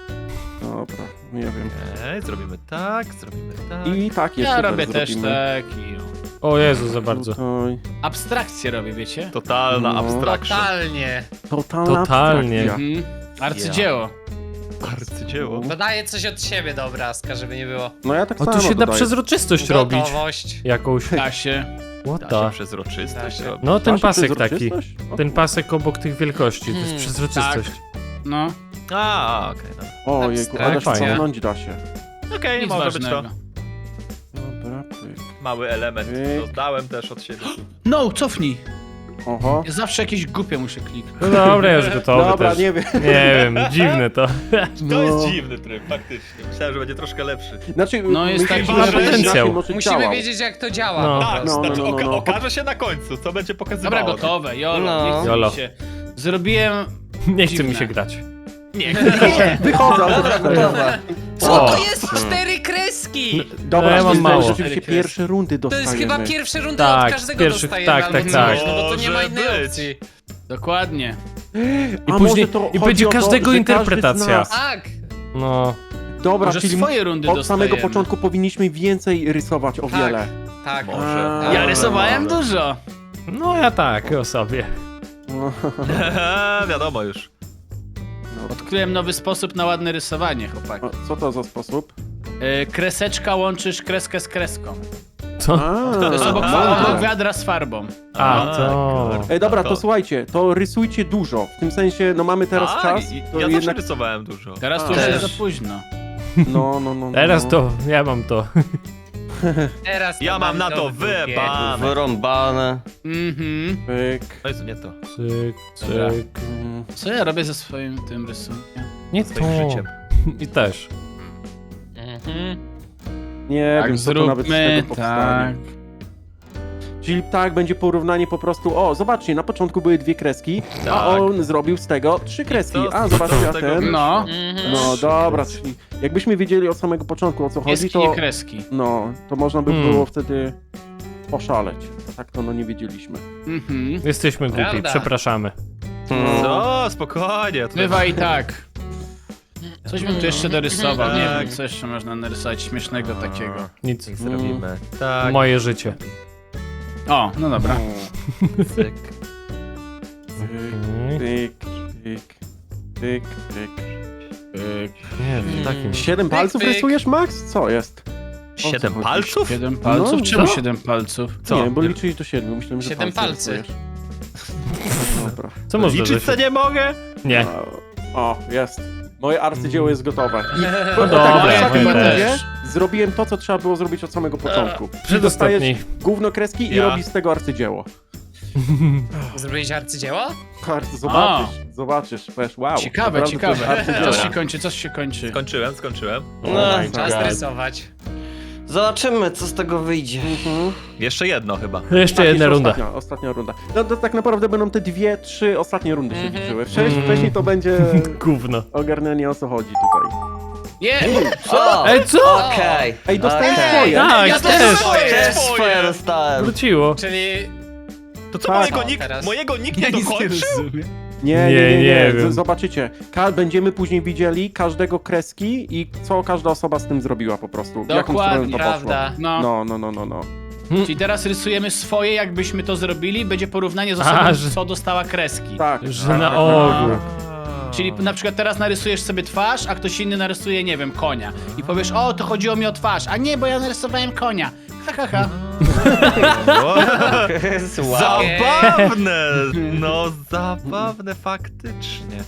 Speaker 4: Dobra, nie wiem.
Speaker 3: Okej, zrobimy tak, zrobimy tak.
Speaker 4: I tak jest.
Speaker 2: Ja
Speaker 4: super,
Speaker 2: robię też
Speaker 4: zrobimy.
Speaker 2: tak i...
Speaker 1: O Jezu, za bardzo.
Speaker 4: Tutaj.
Speaker 2: Abstrakcję robię, wiecie?
Speaker 3: Totalna
Speaker 4: No.
Speaker 3: abstraction.
Speaker 8: Totalnie.
Speaker 4: Totalna
Speaker 1: Totalnie.
Speaker 4: abstrakcja.
Speaker 2: Mhm. Arcydzieło.
Speaker 3: Arcydzieło.
Speaker 8: Dodaję coś od siebie do obrazka, żeby nie było.
Speaker 4: No ja tak
Speaker 1: O,
Speaker 4: samo
Speaker 1: tu się da
Speaker 4: dodaję.
Speaker 1: przezroczystość robić.
Speaker 8: Gotowość.
Speaker 1: Jakąś.
Speaker 2: Da się.
Speaker 1: What
Speaker 3: Da
Speaker 1: the?
Speaker 3: się przezroczystość
Speaker 8: Da się.
Speaker 3: robi.
Speaker 1: No ten
Speaker 4: Masz
Speaker 1: pasek taki.
Speaker 4: przezroczystość? O,
Speaker 1: Ten pasek obok tych wielkości, to jest
Speaker 8: Hmm,
Speaker 1: przezroczystość.
Speaker 2: No.
Speaker 3: A, okej, dobra.
Speaker 4: O jejku, ale
Speaker 1: Fajnie.
Speaker 4: cofnąć da się.
Speaker 3: Okej,
Speaker 2: Nic
Speaker 3: może być to.
Speaker 2: ważnego.
Speaker 4: Dobra, pyk.
Speaker 3: Mały element.
Speaker 4: Pyk.
Speaker 3: Dodałem też od siebie.
Speaker 2: No, cofnij.
Speaker 4: Oho.
Speaker 2: Ja zawsze jakieś głupie muszę kliknąć.
Speaker 1: No dobra, już gotowy
Speaker 4: Dobra,
Speaker 1: też.
Speaker 4: nie wiem.
Speaker 1: Nie wiem, dziwne to.
Speaker 3: To jest
Speaker 4: No.
Speaker 3: dziwny tryb, faktycznie. Myślałem, że będzie troszkę lepszy.
Speaker 4: Znaczy,
Speaker 2: No, jest
Speaker 4: myślę,
Speaker 2: taki
Speaker 4: że
Speaker 1: ma
Speaker 4: będzie
Speaker 1: potencjał.
Speaker 4: inaczej może
Speaker 8: Musimy
Speaker 4: działał.
Speaker 8: wiedzieć, jak to działa.
Speaker 1: No.
Speaker 8: po
Speaker 3: Tak,
Speaker 8: prostu.
Speaker 4: no,
Speaker 3: znaczy
Speaker 4: no, no,
Speaker 3: oka-
Speaker 4: no.
Speaker 3: okaże się na końcu, co będzie pokazywało.
Speaker 2: Dobra, gotowe, jolo,
Speaker 5: No.
Speaker 2: nie chce
Speaker 1: Jolo.
Speaker 2: mi się. Zrobiłem...
Speaker 1: Nie chce mi
Speaker 2: Dziwne.
Speaker 1: się grać.
Speaker 3: Nie,
Speaker 4: Wychodzę, ale
Speaker 5: Dobra,
Speaker 4: to
Speaker 5: gotowe.
Speaker 8: Co
Speaker 1: O.
Speaker 8: to jest? Cztery kreski!
Speaker 4: Dobra,
Speaker 1: No, ja
Speaker 4: to
Speaker 1: mam
Speaker 4: jest
Speaker 1: mało.
Speaker 4: rzeczywiście pierwsze rundy
Speaker 8: To
Speaker 4: dostajemy.
Speaker 8: jest chyba pierwsze rundy
Speaker 1: Tak,
Speaker 8: od
Speaker 1: z
Speaker 8: każdego
Speaker 1: pierwszych-
Speaker 8: dostajemy,
Speaker 1: tak,
Speaker 8: albo
Speaker 1: tak,
Speaker 8: coś,
Speaker 1: tak.
Speaker 8: no bo to nie ma
Speaker 3: Może
Speaker 8: innej
Speaker 3: być.
Speaker 8: opcji.
Speaker 2: Dokładnie.
Speaker 1: I
Speaker 4: A
Speaker 1: później-
Speaker 4: może to
Speaker 1: i
Speaker 4: chodzi
Speaker 1: będzie
Speaker 4: o to,
Speaker 1: każdego
Speaker 4: że
Speaker 1: interpretacja.
Speaker 4: każdy z nas-
Speaker 8: Tak!
Speaker 1: No.
Speaker 4: Dobra,
Speaker 2: Może
Speaker 4: czyli
Speaker 2: swoje rundy
Speaker 4: od
Speaker 2: dostajemy.
Speaker 4: samego początku powinniśmy więcej rysować o
Speaker 8: Tak.
Speaker 4: wiele.
Speaker 8: Tak.
Speaker 3: Może.
Speaker 4: A,
Speaker 2: Ja rysowałem
Speaker 4: dobra.
Speaker 2: dużo.
Speaker 1: No ja tak, o sobie.
Speaker 4: No,
Speaker 3: wiadomo już.
Speaker 2: Odkryłem nowy sposób na ładne rysowanie, chłopaki.
Speaker 4: o, co to za sposób?
Speaker 2: Yy, kreseczka łączysz kreskę z kreską.
Speaker 1: Co?
Speaker 4: A,
Speaker 2: To jest obok,
Speaker 3: A.
Speaker 2: obok wiadra z farbą.
Speaker 1: A,
Speaker 3: Tak,
Speaker 1: to...
Speaker 4: Ej, dobra, to
Speaker 3: To-
Speaker 4: słuchajcie, to rysujcie dużo. W tym sensie, no mamy teraz
Speaker 3: A,
Speaker 4: czas,
Speaker 3: i-
Speaker 4: to
Speaker 3: ja
Speaker 4: jednak...
Speaker 3: też rysowałem dużo.
Speaker 2: Teraz to
Speaker 4: A.
Speaker 2: już jest
Speaker 5: Też.
Speaker 2: za późno.
Speaker 4: No, no, no, no.
Speaker 1: Teraz
Speaker 4: no.
Speaker 1: to, ja mam to.
Speaker 8: Teraz
Speaker 3: Ja mam na to
Speaker 8: w dupie.
Speaker 3: wybane.
Speaker 5: Wyrąbane.
Speaker 2: Mhm.
Speaker 4: Pyk.
Speaker 3: To jest nie to.
Speaker 1: Cyk,
Speaker 2: Dobra.
Speaker 1: cyk.
Speaker 4: Mm,
Speaker 2: Co ja robię ze swoim tym rysunkiem?
Speaker 1: Nie
Speaker 3: Swoim
Speaker 1: to.
Speaker 3: życiem.
Speaker 1: I też.
Speaker 8: Mhm.
Speaker 4: Nie
Speaker 2: Tak,
Speaker 4: wiem, co to nawet z
Speaker 2: zróbmy
Speaker 4: tego powstanie.
Speaker 2: tak.
Speaker 4: Czyli tak, będzie porównanie po prostu, o, zobaczcie, na początku były dwie kreski, a
Speaker 3: Tak.
Speaker 4: on zrobił z tego trzy kreski.
Speaker 3: co-
Speaker 4: A,
Speaker 3: co
Speaker 4: zobaczcie,
Speaker 3: z
Speaker 4: a
Speaker 3: tego
Speaker 4: ten...
Speaker 3: wyszło?
Speaker 2: No.
Speaker 8: Mhm.
Speaker 4: No dobra, czyli jakbyśmy wiedzieli od samego początku, o co chodzi,
Speaker 2: Kreski, nie
Speaker 4: to...
Speaker 2: kreski.
Speaker 4: No, to można by
Speaker 1: Hmm.
Speaker 4: było wtedy poszaleć. Tak to no nie wiedzieliśmy.
Speaker 2: Mhm.
Speaker 1: Jesteśmy głupi,
Speaker 8: Prawda.
Speaker 1: przepraszamy.
Speaker 5: Hmm.
Speaker 3: Co? Spokojnie. Tutaj...
Speaker 2: Bywa i tak. Coś bym tu jeszcze dorysował, nie
Speaker 3: Tak.
Speaker 2: wiem, co jeszcze można narysować śmiesznego takiego.
Speaker 1: Nic.
Speaker 3: Niech zrobimy. Tak.
Speaker 1: Moje życie.
Speaker 2: O, no dobra.
Speaker 3: Cyk.
Speaker 4: Pyk, pyk, pyk, pyk.
Speaker 1: Nie wiem, takim.
Speaker 4: Siedem
Speaker 8: Pyk,
Speaker 4: palców
Speaker 8: pyk.
Speaker 4: rysujesz, Max? Co jest?
Speaker 3: Siedem
Speaker 4: chodzi?
Speaker 3: palców?
Speaker 2: Siedem palców?
Speaker 4: No,
Speaker 2: Czemu
Speaker 1: co?
Speaker 2: siedem palców?
Speaker 3: Co?
Speaker 4: Nie, bo liczysz do siedmiu. Myślałem, że
Speaker 8: Siedem
Speaker 4: palce
Speaker 8: palcy.
Speaker 4: rysujesz. Dobra.
Speaker 1: Co można
Speaker 3: Liczyć co nie mogę?
Speaker 1: Nie.
Speaker 4: O, jest. Moje arcydzieło jest gotowe. I
Speaker 1: No
Speaker 4: tak,
Speaker 1: dobra,
Speaker 4: w ostatniej
Speaker 1: moje
Speaker 4: rundzie
Speaker 2: też.
Speaker 4: zrobiłem to, co trzeba było zrobić od samego początku. Czyli
Speaker 1: Przedostatni.
Speaker 4: dostajesz gówno kreski i
Speaker 3: Ja.
Speaker 4: robisz z tego arcydzieło.
Speaker 8: Zrobiłeś arcydzieło?
Speaker 4: Arcy, zobaczysz, zobaczysz, wiesz, wow.
Speaker 2: Ciekawe,
Speaker 4: naprawdę to jest
Speaker 2: ciekawe.
Speaker 4: arcydzieło.
Speaker 2: Coś się kończy, coś się kończy.
Speaker 3: Skończyłem, skończyłem.
Speaker 5: No,
Speaker 8: Czas
Speaker 1: God.
Speaker 8: rysować.
Speaker 5: zobaczymy, co z tego wyjdzie.
Speaker 4: Mhm.
Speaker 3: Jeszcze jedno chyba.
Speaker 1: Jeszcze
Speaker 4: Tak,
Speaker 1: jedna
Speaker 4: jeszcze
Speaker 1: runda.
Speaker 4: Ostatnia, ostatnia runda. No to tak naprawdę będą te dwie, trzy ostatnie rundy się
Speaker 8: Mhm.
Speaker 4: liczyły. Wcześniej,
Speaker 1: Mhm.
Speaker 4: wcześniej to będzie
Speaker 1: Gówno.
Speaker 4: ogarnianie o co chodzi tutaj.
Speaker 2: Nie!
Speaker 5: O!
Speaker 1: Ej, co?
Speaker 5: Okej.
Speaker 4: Ej, dostałem
Speaker 5: Okej.
Speaker 4: swoje.
Speaker 1: Tak,
Speaker 8: Ja
Speaker 1: też.
Speaker 8: też
Speaker 5: Też
Speaker 3: Swoje.
Speaker 5: swoje dostałem.
Speaker 1: Wróciło.
Speaker 8: Czyli
Speaker 3: To co,
Speaker 4: Tak.
Speaker 3: mojego,
Speaker 8: O,
Speaker 3: nikt,
Speaker 8: teraz.
Speaker 3: mojego nikt
Speaker 2: Ja
Speaker 3: nie
Speaker 2: nic nie
Speaker 3: dokończył?
Speaker 2: rozumiem.
Speaker 4: Nie,
Speaker 1: Nie,
Speaker 4: nie, nie, nie.
Speaker 1: nie
Speaker 4: Z-
Speaker 1: wiem.
Speaker 4: Zobaczycie. Ka będziemy później widzieli każdego kreski i co każda osoba z tym zrobiła po prostu. W jaką
Speaker 2: Dokładnie,
Speaker 4: stronę to
Speaker 8: prawda.
Speaker 4: poszło.
Speaker 2: No.
Speaker 4: No, no, no, no, no.
Speaker 2: Czyli teraz rysujemy swoje, jakbyśmy to zrobili, będzie porównanie z osobą,
Speaker 1: A, że-
Speaker 2: co dostała kreski.
Speaker 4: Tak.
Speaker 1: Że
Speaker 4: tak,
Speaker 1: na
Speaker 4: tak,
Speaker 1: ogół.
Speaker 2: Czyli na przykład teraz narysujesz sobie twarz, a ktoś inny narysuje, nie wiem, konia. I powiesz, o, to chodziło mi o twarz, a nie, bo ja narysowałem konia. Ha, ha, ha.
Speaker 5: Wow.
Speaker 3: Zabawne! No, zabawne faktycznie.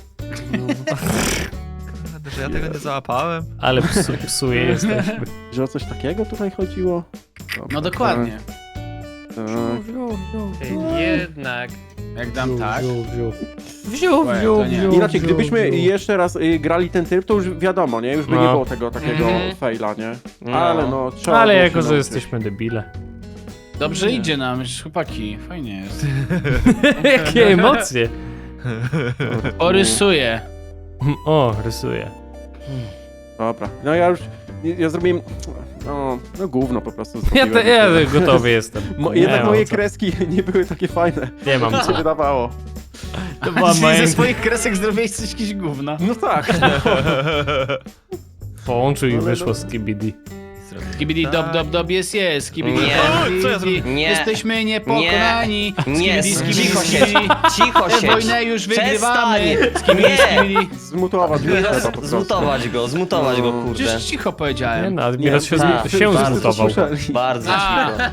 Speaker 3: Kurde, że ja tego nie załapałem.
Speaker 1: Ale psu, psuje jesteśmy.
Speaker 4: Że o coś takiego tutaj chodziło? Dobra,
Speaker 2: No dokładnie.
Speaker 8: Jednak.
Speaker 2: Jak dam tak.
Speaker 1: Wziął,
Speaker 2: Łe,
Speaker 1: wziął,
Speaker 2: to nie.
Speaker 1: wziął.
Speaker 4: Inaczej, gdybyśmy jeszcze raz y, grali ten tryb, to już wiadomo, nie? Już by
Speaker 1: No.
Speaker 4: nie było tego takiego
Speaker 8: Mhm.
Speaker 4: faila, nie?
Speaker 5: No.
Speaker 4: Ale no, trzeba
Speaker 1: Ale
Speaker 4: było
Speaker 1: jako,
Speaker 4: się
Speaker 1: że
Speaker 4: nauczyć.
Speaker 1: jesteśmy debile.
Speaker 2: Dobrze idzie nam, chłopaki. Fajnie jest.
Speaker 1: Jakie emocje.
Speaker 2: O, rysuję.
Speaker 1: O, rysuję.
Speaker 4: Dobra, no ja już, ja, ja zrobiłem, no, no gówno po prostu
Speaker 1: Ja,
Speaker 4: zrobiłem.
Speaker 1: te, ja gotowy jestem.
Speaker 4: Mo,
Speaker 1: Nie
Speaker 4: jednak
Speaker 1: mam
Speaker 4: moje
Speaker 1: co.
Speaker 4: kreski nie były takie fajne,
Speaker 1: Nie mam
Speaker 4: jak
Speaker 1: co.
Speaker 4: się wydawało.
Speaker 1: To była
Speaker 2: Czyli
Speaker 1: moja...
Speaker 2: ze swoich kresek zrobiłeś coś jakieś gówno.
Speaker 4: No tak.
Speaker 1: Połączył i
Speaker 4: Ale no-
Speaker 1: wyszło z K B D.
Speaker 2: Skibidi dob dob dob jest jest. Skibidi
Speaker 5: Nie.
Speaker 2: dob,
Speaker 3: Co ja
Speaker 2: skibidi.
Speaker 5: zrobiłem? Nie.
Speaker 2: Jesteśmy niepokonani.
Speaker 5: Nie,
Speaker 2: Skibidi, skibidi,
Speaker 5: cicho
Speaker 2: skibidi.
Speaker 5: siedź, cicho
Speaker 2: Tę
Speaker 5: siedź.
Speaker 2: wojnę już wygrywamy.
Speaker 5: Przestań.
Speaker 2: Skibidi,
Speaker 5: Nie.
Speaker 2: skibidi.
Speaker 4: Zmutować go trzeba po prostu.
Speaker 5: Zmutować go, zmutować go, kurde.
Speaker 2: Przecież cicho
Speaker 1: Nie
Speaker 2: powiedziałem.
Speaker 1: no, Admiros się,
Speaker 5: tak,
Speaker 1: zmu- się
Speaker 5: bardzo
Speaker 1: zmutował.
Speaker 4: słyszeli.
Speaker 5: Bardzo
Speaker 2: A.
Speaker 5: cicho.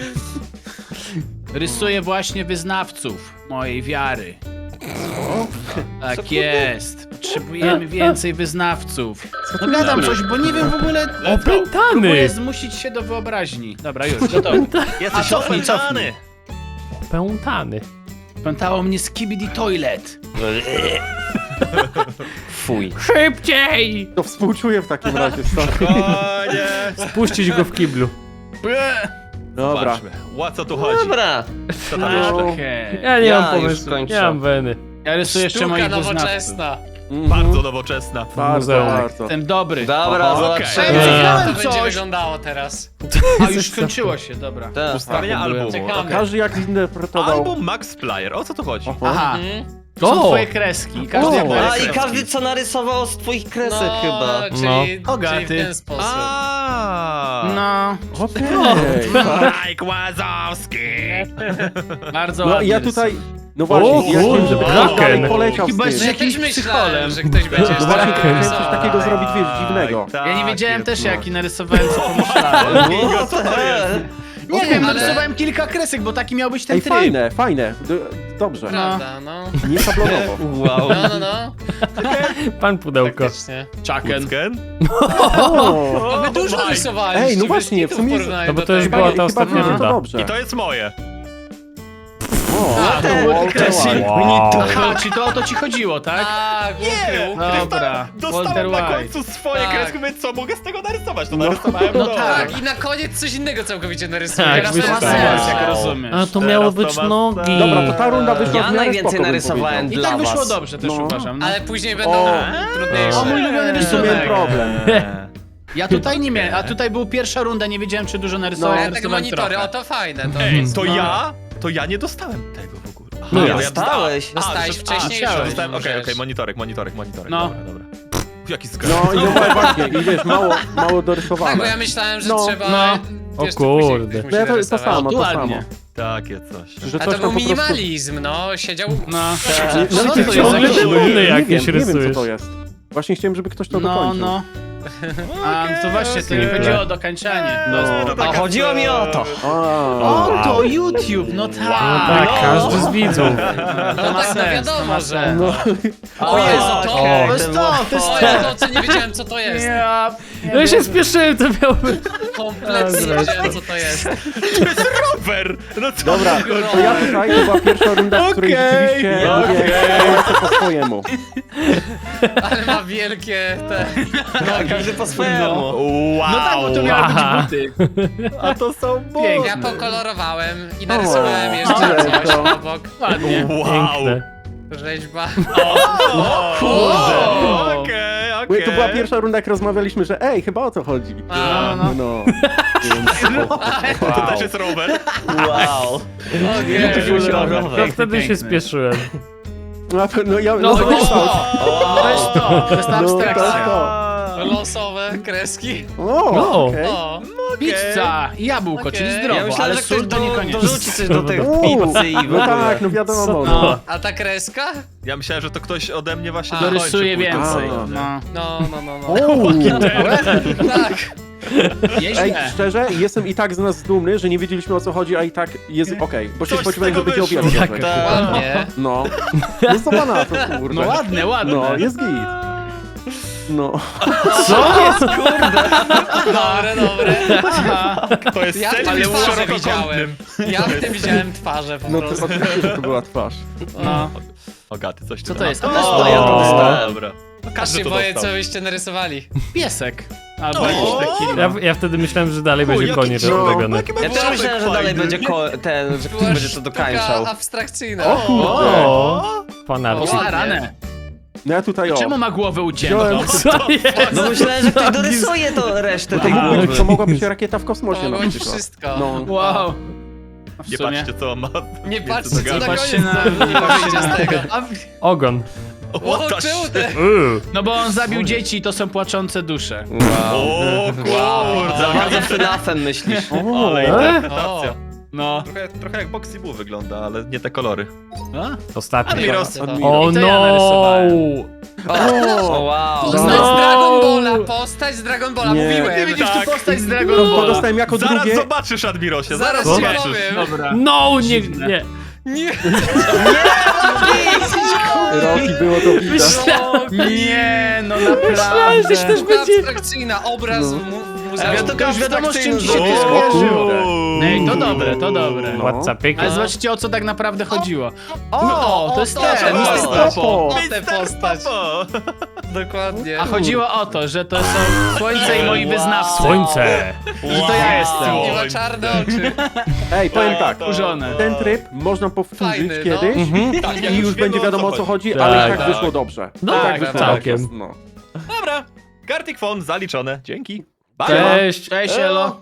Speaker 2: Rysuję właśnie wyznawców mojej wiary. Tak jest. Potrzebujemy więcej wyznawców. No gadam coś, bo nie wiem w ogóle.
Speaker 1: Opętany!
Speaker 2: Próbuję zmusić się do wyobraźni. Dobra, już, gotowy. A
Speaker 3: Jesteś
Speaker 2: cofnij,
Speaker 3: opętany!
Speaker 1: Opętany.
Speaker 2: Pętało mnie Skibidi Toilet.
Speaker 5: Fuj.
Speaker 1: Szybciej!
Speaker 4: To współczuję w takim razie, stary.
Speaker 3: O nie!
Speaker 1: Puścić go w kiblu.
Speaker 2: Ble.
Speaker 4: Dobra.
Speaker 3: Zobaczmy. O co tu chodzi?
Speaker 5: Dobra.
Speaker 3: Co tam jeszcze?
Speaker 2: Okej.
Speaker 1: Ja nie
Speaker 5: Ja
Speaker 1: mam
Speaker 5: już
Speaker 1: pomysłu.
Speaker 5: kończę.
Speaker 1: Nie mam weny.
Speaker 2: Ja rysuję jeszcze
Speaker 8: Sztuka
Speaker 2: moich wyznawców.
Speaker 8: nowoczesna.
Speaker 4: Mhm.
Speaker 3: Bardzo nowoczesna.
Speaker 4: Bardzo,
Speaker 1: Muzeum.
Speaker 4: bardzo.
Speaker 2: Jestem dobry.
Speaker 5: Dobra,
Speaker 4: Oho,
Speaker 5: zobaczymy.
Speaker 2: okej.
Speaker 8: Jak
Speaker 2: Widziałem
Speaker 8: to będzie
Speaker 2: coś.
Speaker 8: wyglądało teraz?
Speaker 2: A już skończyło się, dobra.
Speaker 5: Tak.
Speaker 3: Ustawienia
Speaker 2: byłem.
Speaker 3: albumu.
Speaker 8: Ciekawe.
Speaker 3: okej.
Speaker 4: Każdy jak zinterpretował.
Speaker 3: Album Max Flyer. O co tu chodzi?
Speaker 4: Oho.
Speaker 2: Aha,
Speaker 8: Mhm.
Speaker 2: to są
Speaker 1: O!
Speaker 2: twoje kreski. Każdy
Speaker 4: O.
Speaker 2: jak ma
Speaker 5: A i
Speaker 2: kreski.
Speaker 5: każdy co narysował z twoich kresek
Speaker 8: No,
Speaker 5: chyba.
Speaker 8: czyli,
Speaker 1: No.
Speaker 8: czyli
Speaker 2: Bogaty.
Speaker 8: w ten sposób.
Speaker 3: Aaaa!
Speaker 2: No,
Speaker 4: Okej.
Speaker 3: Mike Łazowski!
Speaker 2: bardzo
Speaker 4: No
Speaker 2: ładnie
Speaker 4: ja
Speaker 2: rysuję.
Speaker 4: tutaj, no właśnie,
Speaker 1: O,
Speaker 4: ja chciałem, żeby ktoś
Speaker 1: Kraken.
Speaker 4: dalej poleciał z
Speaker 2: Chyba
Speaker 4: tym.
Speaker 2: z
Speaker 8: No ja
Speaker 2: jakimś
Speaker 8: też
Speaker 2: psycholem.
Speaker 8: myślałem, że ktoś będzie
Speaker 4: No właśnie,
Speaker 8: tak
Speaker 4: chciałem
Speaker 8: rysował.
Speaker 4: coś takiego zrobić, wiesz, dziwnego.
Speaker 3: Tak,
Speaker 2: Ja nie wiedziałem
Speaker 3: jest,
Speaker 2: też,
Speaker 3: no.
Speaker 2: jaki narysowałem, co pomyślałem.
Speaker 3: Kingo, co to jest?
Speaker 2: Nie wiem,
Speaker 8: ale-
Speaker 2: narysowałem kilka kresek, bo taki miał być ten
Speaker 4: Ej,
Speaker 2: tryb.
Speaker 4: fajne, fajne. D- Dobrze.
Speaker 8: Prawda, no.
Speaker 4: Nie szablonowo.
Speaker 5: Wow.
Speaker 8: No, no, no.
Speaker 1: Pan pudełko.
Speaker 8: Faktycznie.
Speaker 2: Chucken.
Speaker 3: Kucken?
Speaker 4: O!
Speaker 8: A wy dużo
Speaker 3: Mike.
Speaker 8: rysowaliście.
Speaker 4: Ej, no
Speaker 8: bez
Speaker 4: właśnie,
Speaker 8: kitu
Speaker 4: w sumie-
Speaker 8: porównaniu
Speaker 1: No bo
Speaker 8: do
Speaker 1: to już
Speaker 8: tego.
Speaker 1: była ta
Speaker 4: Chyba
Speaker 1: ostatnia
Speaker 4: wiem, że to
Speaker 1: runda.
Speaker 4: dobrze.
Speaker 3: I to jest moje.
Speaker 4: O,
Speaker 8: A,
Speaker 4: to
Speaker 2: to
Speaker 4: Walter
Speaker 2: Walter
Speaker 4: White.
Speaker 1: Wow.
Speaker 2: Aha, czyli to o to ci chodziło, tak?
Speaker 8: Tak, ukrył, ukrył.
Speaker 2: Dobra,
Speaker 3: Dostałem
Speaker 2: Walter
Speaker 3: na
Speaker 2: White.
Speaker 3: końcu swoje
Speaker 8: Tak.
Speaker 3: kreski, więc co, mogę z tego narysować? To
Speaker 4: No.
Speaker 3: narysowałem
Speaker 2: No
Speaker 3: dobrze.
Speaker 2: tak.
Speaker 8: Tak, i na koniec coś innego całkowicie narysuję.
Speaker 1: Tak,
Speaker 2: Teraz to ma
Speaker 1: wyszukałem.
Speaker 2: sens, jak
Speaker 3: Wow.
Speaker 2: rozumiesz.
Speaker 1: A to
Speaker 3: Teraz
Speaker 1: miało
Speaker 3: to
Speaker 1: być
Speaker 3: ma
Speaker 1: nogi.
Speaker 3: sens.
Speaker 4: Dobra, to ta runda wyszła
Speaker 5: Ja
Speaker 4: w miarę
Speaker 5: najwięcej
Speaker 4: spoko, bym
Speaker 5: narysowałem
Speaker 4: powiedział.
Speaker 2: I tak
Speaker 5: dla
Speaker 2: wyszło
Speaker 5: was.
Speaker 2: dobrze też
Speaker 4: No.
Speaker 2: uważam. No.
Speaker 8: Ale później będą
Speaker 4: O.
Speaker 8: trudniejsze.
Speaker 2: O, mój ulubiony
Speaker 4: Tu miałem
Speaker 2: rysunek.
Speaker 4: problem.
Speaker 2: Ja tutaj nie miałem, a tutaj był pierwsza runda, nie wiedziałem czy dużo narysowałem,
Speaker 8: No, ja tak
Speaker 2: narysowałem
Speaker 8: monitory,
Speaker 2: trochę.
Speaker 8: o to fajne. To
Speaker 3: Ej,
Speaker 8: jest-
Speaker 3: to
Speaker 2: No.
Speaker 3: ja? To ja nie dostałem tego w ogóle. Aha,
Speaker 1: No,
Speaker 3: bo
Speaker 5: dostałeś.
Speaker 3: dostałem. A,
Speaker 8: Dostałeś
Speaker 3: że-
Speaker 8: wcześniej,
Speaker 3: a,
Speaker 2: że
Speaker 3: dostałem, okej,
Speaker 8: możesz.
Speaker 3: okej, monitorek, monitorek, monitorek,
Speaker 2: No.
Speaker 3: dobra, dobra. Pff, jaki zgrab.
Speaker 4: No i no właśnie, i wiesz, mało, mało
Speaker 8: Tak, bo
Speaker 4: dorysowane.
Speaker 8: ja myślałem, że
Speaker 4: No,
Speaker 8: trzeba...
Speaker 2: no.
Speaker 8: wiesz,
Speaker 1: O
Speaker 8: to później
Speaker 1: kurde.
Speaker 8: ktoś musi
Speaker 4: No ja to, to
Speaker 8: narysować.
Speaker 4: samo,
Speaker 2: Tu
Speaker 4: to samo.
Speaker 2: ładnie.
Speaker 3: Takie coś.
Speaker 4: Że
Speaker 8: A
Speaker 4: coś
Speaker 8: to
Speaker 4: tam
Speaker 8: był
Speaker 4: po prostu...
Speaker 8: minimalizm, no. Siedział...
Speaker 2: No.
Speaker 4: No
Speaker 2: Co
Speaker 4: i
Speaker 2: to
Speaker 4: ty
Speaker 2: jest?
Speaker 1: ciągle
Speaker 2: Jakaś-
Speaker 1: te buny
Speaker 4: nie
Speaker 1: jakieś
Speaker 4: wiem, nie wiem co
Speaker 1: rysujesz.
Speaker 4: to jest. Właśnie chciałem, żeby ktoś to
Speaker 2: No,
Speaker 4: dokończył.
Speaker 2: no. A, no to właśnie, to nie
Speaker 1: okej.
Speaker 2: chodziło o dokończenie.
Speaker 4: No.
Speaker 3: To
Speaker 5: A
Speaker 3: taka
Speaker 5: chodziło mi o to.
Speaker 4: A,
Speaker 2: O, to YouTube, no tak.
Speaker 1: Tak, każdy z widzów.
Speaker 2: To
Speaker 8: No
Speaker 2: ma
Speaker 8: tak, no
Speaker 2: sens, to ma
Speaker 8: wiadomo, że...
Speaker 2: sens.
Speaker 4: no.
Speaker 8: O Jezu, to...
Speaker 5: okej,
Speaker 2: To jest
Speaker 5: to
Speaker 2: to,
Speaker 5: było
Speaker 2: to jest
Speaker 8: O,
Speaker 2: to.
Speaker 8: ja to, co nie wiedziałem, co to jest.
Speaker 2: Ja,
Speaker 1: No ja się spieszyłem, to miało być.
Speaker 8: Kompletnie nie wiedziałem, co to jest.
Speaker 3: rower! No co?
Speaker 4: Dobra, to ja tutaj, to była pierwsza runda, w której
Speaker 2: Okej,
Speaker 4: rzeczywiście mówię, lecę po swojemu.
Speaker 8: Ale ma wielkie te...
Speaker 5: No, każdy po swojemu.
Speaker 3: Wow!
Speaker 2: no tak, bo to miały być buty.
Speaker 3: A to są
Speaker 2: Pięknie.
Speaker 8: Ja pokolorowałem i narysowałem
Speaker 4: O,
Speaker 8: jeszcze
Speaker 4: ale
Speaker 8: coś
Speaker 4: to-
Speaker 8: obok.
Speaker 2: Ładnie.
Speaker 3: Wow!
Speaker 1: Piękne.
Speaker 8: Rzeźba.
Speaker 3: O,
Speaker 2: Wow.
Speaker 3: Okej,
Speaker 4: Bo
Speaker 3: okej.
Speaker 4: to była pierwsza runda, jak rozmawialiśmy, że ej, chyba o co chodzi.
Speaker 8: A,
Speaker 2: no.
Speaker 4: No. Więc,
Speaker 3: To też jest rower.
Speaker 5: Wow.
Speaker 2: Nie,
Speaker 5: To się
Speaker 1: To
Speaker 5: rower.
Speaker 1: wtedy się spieszyłem.
Speaker 4: no, no ja,
Speaker 8: No,
Speaker 4: no,
Speaker 8: no,
Speaker 4: to jest to.
Speaker 2: To jest to, to jest ta
Speaker 4: No, to jest
Speaker 2: abstrakcja.
Speaker 4: to.
Speaker 8: losowe kreski.
Speaker 4: O,
Speaker 1: No.
Speaker 4: okej.
Speaker 8: O,
Speaker 2: Pizza i jabłko,
Speaker 8: Okej.
Speaker 2: czyli
Speaker 8: Ja
Speaker 2: zdrowo,
Speaker 5: Ja myślałem,
Speaker 2: ale
Speaker 5: że ktoś
Speaker 2: sól to
Speaker 5: do,
Speaker 2: niekoniecznie.
Speaker 5: dorzuci coś do tej
Speaker 4: Uuu,
Speaker 5: pizzy i w
Speaker 4: No
Speaker 5: ogóle.
Speaker 4: tak, no wiadomo.
Speaker 1: Co
Speaker 4: No.
Speaker 2: No,
Speaker 8: a ta kreska?
Speaker 3: Ja myślałem, że to ktoś ode mnie właśnie
Speaker 8: A.
Speaker 2: dorysuję
Speaker 3: dokończy
Speaker 2: więcej.
Speaker 3: później.
Speaker 2: No.
Speaker 8: No, no, no, no.
Speaker 4: Uuu.
Speaker 8: Tak.
Speaker 4: Ej,
Speaker 2: Nieźle.
Speaker 4: szczerze, jestem i tak z nas dumny, że nie wiedzieliśmy o co chodzi, a i tak jest okej. Bo się
Speaker 3: Coś z
Speaker 4: spodziewałem, że
Speaker 3: tego
Speaker 4: będzie o wiele
Speaker 3: wyszło.
Speaker 4: gorzej.
Speaker 1: Tak.
Speaker 8: Ładnie.
Speaker 4: No. No co pana to, kurde.
Speaker 2: No ładne, ładne.
Speaker 4: No, jest git. No.
Speaker 1: Co?
Speaker 8: Dobre, dobre.
Speaker 3: To jest
Speaker 8: Ja w
Speaker 3: cel
Speaker 8: tym
Speaker 3: jest
Speaker 8: twarze
Speaker 3: szerokokątny.
Speaker 8: widziałem. Ja w tym widziałem twarze po
Speaker 4: No to
Speaker 8: prostu.
Speaker 4: oczywiście, że to była twarz.
Speaker 2: No.
Speaker 3: Ogaty, coś
Speaker 2: Co
Speaker 3: ty
Speaker 2: to
Speaker 3: tam-
Speaker 2: jest?
Speaker 3: O,
Speaker 2: O,
Speaker 5: ja to dostałem.
Speaker 3: Dobra. No
Speaker 8: Aż
Speaker 3: każdy
Speaker 8: się
Speaker 3: to
Speaker 8: boję,
Speaker 3: dostał.
Speaker 8: co byście narysowali.
Speaker 2: Piesek. Albo
Speaker 3: O,
Speaker 2: jakiś taki.
Speaker 1: Ja,
Speaker 2: No.
Speaker 1: ja wtedy myślałem, że dalej
Speaker 3: O,
Speaker 1: będzie
Speaker 3: jaki
Speaker 1: koniec
Speaker 3: dziwny,
Speaker 1: robiony.
Speaker 3: jaki ma
Speaker 5: Ja też
Speaker 3: łapek
Speaker 5: myślałem, że dalej
Speaker 3: fajny.
Speaker 5: będzie ko ten, że ktoś
Speaker 8: Była
Speaker 5: będzie to
Speaker 8: sztuka
Speaker 5: dokańczał.
Speaker 8: abstrakcyjna.
Speaker 4: O kurde.
Speaker 1: O, pan
Speaker 2: O,
Speaker 1: Arci.
Speaker 2: starane.
Speaker 4: No ja tutaj o.
Speaker 2: Czemu ma głowę uciętą?
Speaker 4: Wziąłem-
Speaker 1: Co jest?
Speaker 5: No myślałem, że ktoś dorysuje to resztę tej
Speaker 2: Aha.
Speaker 5: głowy.
Speaker 4: To mogła być rakieta w kosmosie
Speaker 8: To
Speaker 4: na
Speaker 8: mogło być
Speaker 4: przykład.
Speaker 8: wszystko.
Speaker 4: No.
Speaker 2: Wow. W
Speaker 3: Nie
Speaker 2: sumie.
Speaker 3: patrzcie, co on ma.
Speaker 8: Nie
Speaker 3: między
Speaker 8: patrzcie, co
Speaker 3: nogami.
Speaker 8: na
Speaker 2: Patrzcie
Speaker 8: koniec
Speaker 2: na...
Speaker 8: to
Speaker 2: Nie patrzcie
Speaker 8: wyjdzie
Speaker 2: na
Speaker 8: z tego.
Speaker 2: A,
Speaker 1: Ogon.
Speaker 3: O,
Speaker 8: O,
Speaker 3: ta
Speaker 8: czemu
Speaker 3: sz-
Speaker 8: te?
Speaker 1: Uuu.
Speaker 2: No bo on zabił dzieci i to są płaczące dusze.
Speaker 3: O kurde.
Speaker 5: Za bardzo FNAF-em myślisz.
Speaker 4: O,
Speaker 3: Ale
Speaker 1: E?
Speaker 3: interpretacja.
Speaker 2: No.
Speaker 3: Trochę, trochę jak Boxy Boo wygląda, ale nie te kolory.
Speaker 2: A?
Speaker 1: Ostatni.
Speaker 3: Admiros.
Speaker 8: To-
Speaker 1: O
Speaker 2: I to ja
Speaker 1: no!
Speaker 2: narysowałem.
Speaker 5: O, wow.
Speaker 8: Postać
Speaker 1: No.
Speaker 8: z Dragon Balla, postać z Dragon Balla,
Speaker 4: Nie.
Speaker 2: Ty
Speaker 8: mówiłem.
Speaker 2: widzisz
Speaker 3: Tak.
Speaker 2: tu postać z Dragon
Speaker 4: To
Speaker 2: Balla.
Speaker 4: dostałem jako
Speaker 3: Zaraz
Speaker 4: drugie.
Speaker 3: zobaczysz, Admirosie, zaraz
Speaker 8: Zaraz ci
Speaker 3: zobaczysz.
Speaker 8: powiem.
Speaker 2: Dobra.
Speaker 1: No, nie,
Speaker 2: Dziwne.
Speaker 1: nie.
Speaker 8: Nie,
Speaker 4: Roki było to widać.
Speaker 2: Nie, no naprawdę.
Speaker 8: sztuka abstrakcyjna, obraz
Speaker 4: No.
Speaker 8: w mu- w
Speaker 2: Ale
Speaker 8: muzeum.
Speaker 2: to już wiadomo, z czym ci się
Speaker 3: O,
Speaker 2: to skojarzyło.
Speaker 3: kurde.
Speaker 2: Ej, to dobre, to dobre.
Speaker 4: No.
Speaker 1: Whatsappik.
Speaker 2: Ale zobaczcie, o co tak naprawdę chodziło.
Speaker 8: O,
Speaker 2: O, to jest
Speaker 8: o,
Speaker 2: ten,
Speaker 8: to,
Speaker 2: mister
Speaker 8: to,
Speaker 2: Popo.
Speaker 8: O tę
Speaker 3: Mister
Speaker 8: postać,
Speaker 3: Popo.
Speaker 8: dokładnie.
Speaker 2: A chodziło o to, że to są słońce i moi wyznawcy.
Speaker 1: Słońce.
Speaker 2: Że to ja jestem.
Speaker 8: Nie ma czarne oczy.
Speaker 4: Ej, powiem tak.
Speaker 2: Kurzone.
Speaker 4: Ten tryb można powtórzyć
Speaker 8: Fajny, no.
Speaker 4: kiedyś
Speaker 3: Tak, ja
Speaker 4: i już
Speaker 3: wiemy,
Speaker 4: będzie wiadomo o co chodzi, ale i tak
Speaker 1: Tak,
Speaker 4: wyszło dobrze.
Speaker 1: No
Speaker 4: I
Speaker 2: tak,
Speaker 4: tak wyszło
Speaker 1: całkiem.
Speaker 4: dobrze. No.
Speaker 3: Dobra, Gartic Phone zaliczone, dzięki. Bye.
Speaker 1: Cześć.
Speaker 2: Cześć, Elo.